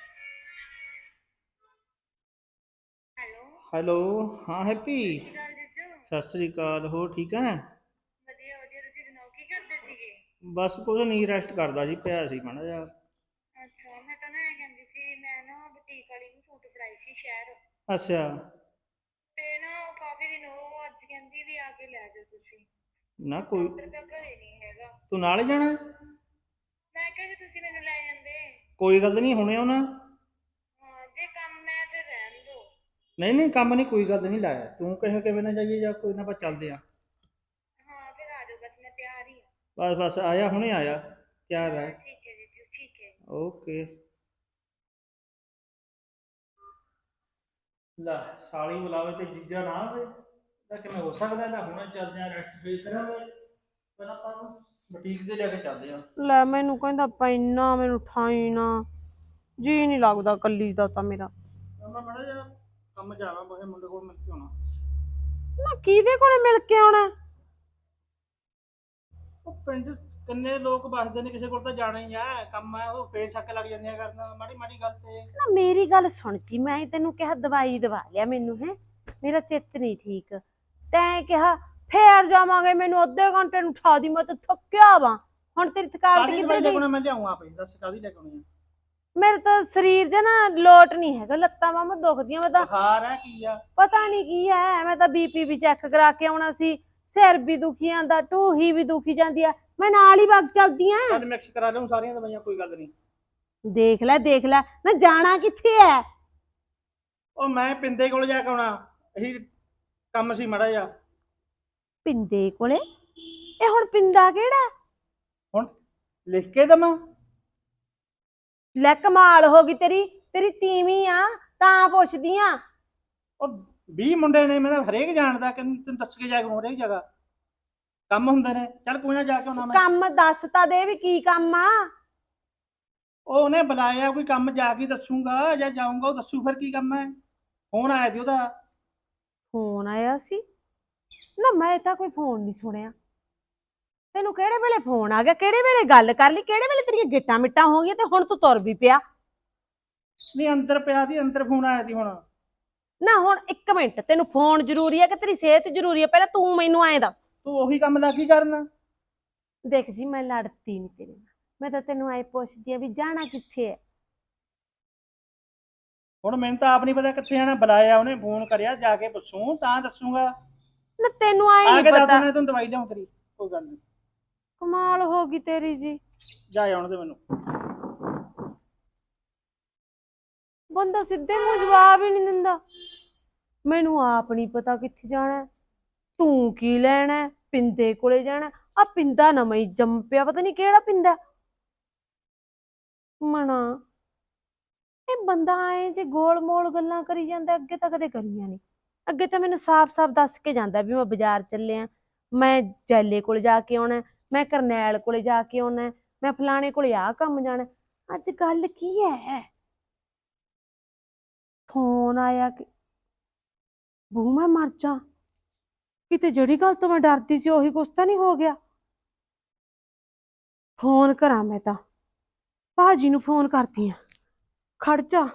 S2: ਹੈਲੋ ਹਾਂ ਹੈਪੀ, ਸਤਿ ਸ੍ਰੀ ਅਕਾਲ। ਹੋਰ ਠੀਕ ਹੈ?
S6: ਵਧੀਆ ਵਧੀਆ, ਤੁਸੀਂ ਸੁਣਾਓ ਕੀ ਕਰਦੇ ਸੀਗੇ?
S2: ਬਸ ਕੁਝ ਨਹੀਂ, ਰੈਸਟ ਕਰਦਾ ਸੀ, ਪਿਆ ਸੀ ਮਾੜਾ ਜਿਹਾ।
S6: ਅੱਛਾ, ਮੈਂ ਤਾਂ ਨਾ ਇਹ ਕਹਿੰਦੀ ਸੀ, ਮੈਂ ਨਾ ਬੁਟੀਕ ਵਾਲੀ ਨੂੰ ਸੂਟ ਫੜਾਈ ਸੀ ਸ਼ਹਿਰ,
S2: ਅੱਛਾ
S6: ਤੇ ਨਾ ਉਹ ਕਾਫੀ ਦਿਨ ਉਹ ਅੱਜ ਕਹਿੰਦੀ ਵੀ ਆ ਕੇ ਲੈ ਜਾਓ ਤੁਸੀਂ।
S2: ਨਾ ਕੋਈ,
S6: ਉੱਧਰ ਤਾਂ ਘਰੇ ਨਹੀਂ ਹੈਗਾ।
S2: ਤੂੰ ਨਾਲ ਹੀ ਜਾਣਾ?
S6: ਮੈਂ ਕਿਹਾ ਵੀ ਤੁਸੀਂ ਮੈਨੂੰ ਲੈ ਜਾਂਦੇ।
S2: ਕੋਈ ਗੱਲ ਨਹੀਂ, ਹੁਣੇ ਆਉਣਾ।
S6: ਹਾਂ ਜੇ ਕੰਮ ਹੈ ਫਿਰ ਰਹਿਣ ਦਿਓ।
S2: ਨਹੀਂ ਨਹੀਂ ਕੰਮ ਨਹੀਂ, ਕੋਈ ਗੱਲ ਨਹੀਂ ਲਾਇਆ, ਤੂੰ ਕਹੇ ਕਿਵੇਂ ਨਾ ਜਾਈਏ, ਜਾਂ ਕੋਈ ਨਾ ਆਪਾਂ ਚੱਲਦੇ ਆ।
S6: ਹਾਂ ਫਿਰ ਆ ਜਾਓ, ਬਸ ਮੈਂ ਤਿਆਰ ਹੀ
S2: ਬਸ ਬਸ ਆਇਆ, ਹੁਣੇ ਆਇਆ, ਤਿਆਰ
S6: ਹਾਂ।
S2: ਹੈ।
S6: ਠੀਕ ਹੈ ਜੀ, ਠੀਕ ਹੈ।
S2: ਓਕੇ। ਲੈ ਸਾਲੀ ਬੁਲਾਵੇ ਤੇ ਜੀਜਾ ਨਾ ਆਵੇ, ਤਾਂ ਕਿਵੇਂ ਹੋ ਸਕਦਾ? ਨਾ ਹੁਣੇ ਚੱਲਦੇ ਆ, ਰੈਸਟ ਫੇਰ ਕਰਾਂਗੇ, ਫਿਰ ਆਪਾਂ ਨੂੰ ਬੁਟੀਕ ਤੇ ਲੈ ਕੇ ਚੱਲਦੇ ਆ।
S5: ਲੈ ਮੈਨੂੰ ਕਹਿੰਦਾ ਪੈਨਾ, ਮੈਨੂੰ ਠਾਈ ਨਾ, ਜੀ ਨਹੀਂ ਲੱਗਦਾ ਕੱਲੀ ਦਾ ਤਾਂ ਮੇਰਾ।
S2: ਮੈਂ ਮਾੜਾ ਜਿਹਾ ਕੰਮ ਜਾਣਾ, ਬਸੇ ਮੁੰਡੇ ਕੋਲ ਮਿਲ ਕੇ ਆਉਣਾ।
S5: ਨਾ ਕਿਹਦੇ ਕੋਲੇ ਮਿਲ ਕੇ ਆਉਣਾ?
S2: ਉਹ ਪਿੰਡ ਕਿੰਨੇ ਲੋਕ ਵੱਸਦੇ ਨੇ, ਕਿਸੇ ਕੋਲ ਤਾਂ ਜਾਣਾ ਹੀ ਆ, ਕੰਮ ਆ ਉਹ, ਫੇਰ ਛੱਕ ਲੱਗ ਜਾਂਦੀਆਂ ਕਰਨਾ ਮਾੜੀ ਮਾੜੀ ਗੱਲ ਤੇ।
S5: ਨਾ ਮੇਰੀ ਗੱਲ ਸੁਣ ਜੀ, ਮੈਂ ਤੈਨੂੰ ਕਿਹਾ ਦਵਾਈ ਦਵਾ ਲਿਆ ਮੈਨੂੰ, ਹੈ ਮੇਰਾ ਚਿੱਤ ਨਹੀਂ ਠੀਕ, ਤੈਂ ਕਿਹਾ ਫੇਰ ਜਾਵਾਂਗੇ, ਮੈਨੂੰ ਅੱਧੇ ਘੰਟੇ ਨੂੰ ਉਠਾ ਦੀ, ਮੈਂ ਤਾਂ ਥੱਕਿਆ ਵਾਂ। ਹੁਣ ਤੇਰੀ ਥਕਾਵਟ
S2: ਕਾਹਦੀ
S5: ਕਿੱਧਰ
S2: ਦਵਾਈ
S5: ਗਈ?
S2: ਲੈਣਾ? ਮੈਂ ਲਿਆਉਂ ਆਪੇ, ਦੱਸ ਕਾਹਦੀ ਲੈ ਕੇ ਆਉਣੀ ਆ?
S5: ਮੇਰੇ ਤਾਂ ਸਰੀਰ ਜਿਹਾ ਨਾ ਲੋਟ ਨਹੀਂ ਹੈਗਾ, ਲੱਤਾਂ ਬਾਹਾਂ ਦੁਖਦੀਆਂ, ਮੈਂ ਤਾਂ
S2: ਬੁਖਾਰ ਹੈ ਕੀ ਆ?
S5: ਪਤਾ ਨਹੀਂ ਕੀ ਹੈ। ਮੈਂ ਤਾਂ ਬੀਪੀ ਵੀ ਚੈੱਕ ਕਰਾ ਕੇ ਆਉਣਾ ਸੀ, ਸਿਰ ਵੀ ਦੁਖੀ ਜਾਂਦਾ, ਢੂਹੀ ਵੀ ਦੁਖੀ ਜਾਂਦੀ ਆ, ਮੈਂ ਨਾਲ ਹੀ ਵਗ ਚੱਲਦੀ ਆ।
S2: ਚੱਲ ਮਿਕਸ ਕਰਾ ਲਿਆਉਂ ਸਾਰੀਆਂ ਦਵਾਈਆਂ, ਕੋਈ ਗੱਲ ਨਹੀਂ।
S5: ਦੇਖ ਲੈ ਨਾ, ਜਾਣਾ ਕਿੱਥੇ ਹੈ?
S2: ਉਹ ਮੈਂ ਪਿੰਦੇ ਕੋਲ ਜਾ ਕੇ ਆਉਣਾ, ਇਹੀ ਕੰਮ ਸੀ ਮਾੜਾ ਜਿਹਾ।
S5: ਪਿੰਦੇ ਕੋਲੇ? ਇਹ ਹੁਣ ਪਿੰਦਾ ਕਿਹੜਾ?
S2: ਹੁਣ ਲਿਖ ਕੇ ਦਵਾਂ?
S5: ਲੈ ਕਮਾਲ ਹੋ ਗਈ ਤੇਰੀ, ਤੇਰੀ ਤੀਵੀਂ ਆ ਤਾਂ ਪੁੱਛਦੀ ਆ।
S2: ਉਹ 20 ਮੁੰਡੇ ਨੇ, ਮੈਂ ਤਾਂ ਹਰੇਕ ਜਾਣਦਾ, ਕਿ ਤੈਨੂੰ ਦੱਸ ਕੇ ਜਾ ਕੇ ਹਰੇਕ ਜਗ੍ਹਾ ਕੰਮ ਹੁੰਦੇ ਨੇ। ਚੱਲ ਕੋਈ ਨਾ, ਜਾ ਕੇ ਆਉਣਾ ਮੈਂ।
S5: ਕੰਮ ਦੱਸ ਤਾਂ ਦੇ ਵੀ ਕੀ ਕੰਮ ਆ?
S2: ਉਹ ਉਹਨੇ ਬੁਲਾਇਆ, ਕੋਈ ਕੰਮ ਜਾ ਕੇ ਦੱਸੂਗਾ, ਜਾਂ ਜਾਊਂਗਾ ਉਹ ਦੱਸੂ ਫਿਰ ਕੀ ਕੰਮ ਹੈ। ਫੋਨ ਆਇਆ ਸੀ ਉਹਦਾ।
S5: ਫੋਨ ਆਇਆ ਸੀ? ਨਾ ਮੈਂ ਤਾਂ ਕੋਈ ਫੋਨ ਨਹੀਂ ਸੁਣਿਆ। ਤੈਨੂੰ ਕਿਹੜੇ ਵੇਲੇ ਫੋਨ ਆ ਗਿਆ, ਕਿਹੜੇ ਵੇਲੇ ਗੱਲ ਕਰ ਲਈ, ਕਿਹੜੇ ਵੇਲੇ ਤੇਰੀਆਂ ਗਿੱਟਾਂ ਮਿੱਟਾਂ ਹੋ ਗਈਆਂ ਤੇ ਹੁਣ ਤੂੰ ਤੁਰ ਵੀ ਪਿਆ?
S2: ਨਹੀਂ ਅੰਦਰ ਪਿਆ ਸੀ, ਅੰਦਰ ਫੋਨ ਆਇਆ ਸੀ ਹੁਣ।
S5: ਨਾ ਹੁਣ 1 ਮਿੰਟ, ਤੈਨੂੰ ਫੋਨ ਜ਼ਰੂਰੀ ਹੈ ਕਿ ਤੇਰੀ ਸਿਹਤ ਜ਼ਰੂਰੀ ਹੈ? ਪਹਿਲਾਂ ਤੂੰ ਮੈਨੂੰ ਐਂ ਦੱਸ।
S2: ਤੂੰ ਉਹੀ ਕੰਮ ਲੱਗੀ ਕਰਨ।
S5: ਦੇਖ ਜੀ, ਮੈਂ ਲੜਦੀ ਨਹੀਂ ਤੇਰੇ ਨਾਲ, ਮੈਂ ਤਾਂ ਤੈਨੂੰ ਐ ਪੁੱਛਦੀ ਆ ਵੀ ਜਾਣਾ ਕਿੱਥੇ ਹੈ।
S2: ਹੁਣ ਮੈਨੂੰ ਤਾਂ ਆਪ ਨਹੀਂ ਪਤਾ ਕਿੱਥੇ ਜਾਣਾ, ਬੁਲਾਇਆ ਉਹਨੇ, ਫੋਨ ਕਰਿਆ, ਜਾ ਕੇ ਪੁੱਛੂ ਤਾਂ ਦੱਸੂਗਾ।
S5: ਨਾ ਤੈਨੂੰ ਐ
S2: ਆ
S5: ਨਹੀਂ
S2: ਕੇ ਦੱਸ
S5: ਪਤਾ?
S2: ਦੇਣਾ, ਤੈਨੂੰ ਦਵਾਈ ਲਿਆਉਂ ਤੇਰੀ, ਕੋਈ ਗੱਲ ਨਹੀਂ।
S5: ਕਮਾਲ ਹੋ ਗਈ ਤੇਰੀ ਜੀ।
S2: ਜਾ ਆਉਣ ਦੇ ਮੈਨੂੰ।
S5: ਬੰਦਾ ਸਿੱਧੇ ਮੂੰਹ ਜਵਾਬ ਹੀ ਨਹੀਂ ਦਿੰਦਾ। ਮੈਨੂੰ ਆਪ ਨਹੀਂ ਪਤਾ ਕਿੱਥੇ ਜਾਣਾ, ਤੂੰ ਕੀ ਲੈਣਾ? ਪਿੰਦੇ ਕੋਲੇ ਜਾਣਾ? ਆ ਪਿੰਦਾ ਨਵਾਂ ਹੀ ਜੰਮ ਪਿਆ, ਪਤਾ ਨਹੀਂ ਕਿਹੜਾ ਪਿੰਦਾ ਮਣਾ। ਇਹ ਬੰਦਾ ਐ ਜੇ ਗੋਲ ਮੋਲ ਗੱਲਾਂ ਕਰੀ ਜਾਂਦਾ, ਅੱਗੇ ਤਾਂ ਕਦੇ ਕਰੀਆਂ ਨਹੀਂ। ਅੱਗੇ ਤਾਂ ਮੈਨੂੰ ਸਾਫ਼-ਸਾਫ਼ ਦੱਸ ਕੇ ਜਾਂਦਾ ਵੀ ਮੈਂ ਬਾਜ਼ਾਰ ਚੱਲਿਆ, ਮੈਂ ਜੈਲੇ ਕੋਲ ਜਾ ਕੇ ਆਉਣਾ, ਮੈਂ ਕਰਨੈਲ ਕੋਲੇ ਜਾ ਕੇ ਆਉਣਾ, ਮੈਂ ਫਲਾਣੇ ਕੋਲੇ ਆਹ ਕੰਮ ਜਾਣਾ। ਅੱਜ ਗੱਲ ਕੀ ਹੈ? ਫੋਨ ਆਇਆ ਕਿ ਬੂ ਮੈਂ ਮਰ ਜਾ, ਕਿਤੇ ਜਿਹੜੀ ਗੱਲ ਤੋਂ ਮੈਂ ਡਰਦੀ ਸੀ ਉਹੀ ਕੁਛ ਤਾਂ ਨਹੀਂ ਹੋ ਗਿਆ। ਫੋਨ ਕਰਾਂ ਮੈਂ ਤਾਂ ਭਾਜੀ ਨੂੰ ਫੋਨ ਕਰਦੀ ਆ, ਖੜ ਜਾ।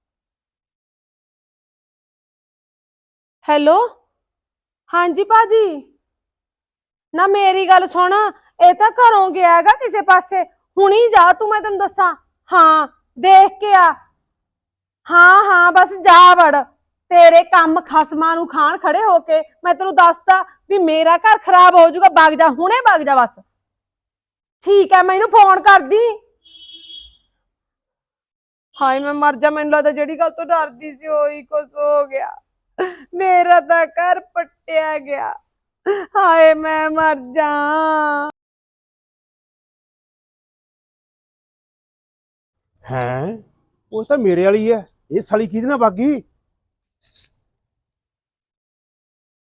S5: ਹੈਲੋ, ਹਾਂਜੀ ਭਾਜੀ। ਨਾ ਮੇਰੀ ਗੱਲ ਸੁਣ, ਇਹ ਤਾਂ ਘਰੋਂ ਗਿਆ ਹੈਗਾ ਕਿਸੇ ਪਾਸੇ, ਹੁਣੀ ਜਾ ਤੂੰ, ਮੈਂ ਤੈਨੂੰ ਦੱਸਾਂ। ਹਾਂ, ਦੇਖ ਕੇ ਆ। ਹਾਂ ਹਾਂ ਬਸ ਜਾ ਵੜ, ਤੇਰੇ ਕੰਮ ਖਸਮਾਂ ਨੂੰ ਖਾਣ ਖੜੇ ਹੋ ਕੇ। ਮੈਂ ਤੈਨੂੰ ਦੱਸਤਾ ਵੀ ਮੇਰਾ ਘਰ ਖਰਾਬ ਹੋ ਜਾਊਗਾ, ਵਗ ਜਾ ਹੁਣੇ, ਵਗ ਜਾ ਬਸ। ਠੀਕ ਹੈ, ਮੈਨੂੰ ਫੋਨ ਕਰਦੀ। ਹਾਏ ਮੈਂ ਮਰ ਜਾ, ਮੈਨੂੰ ਲੱਗਦਾ ਜਿਹੜੀ ਗੱਲ ਤੋਂ ਡਰਦੀ ਸੀ ਉਹੀ ਕੁਛ ਹੋ ਗਿਆ। ਮੇਰਾ ਤਾਂ ਘਰ ਪੱਟਿਆ ਗਿਆ। ਹਾਏ ਮੈਂ ਮਰ ਜਾ।
S8: ਹੈ ਉਹ ਤਾਂ ਮੇਰੇ ਵਾਲੀ ਹੈ, ਇਹ ਸਾਲੀ ਕਿਹਦੇ ਨਾਲ ਬਾਗੀ?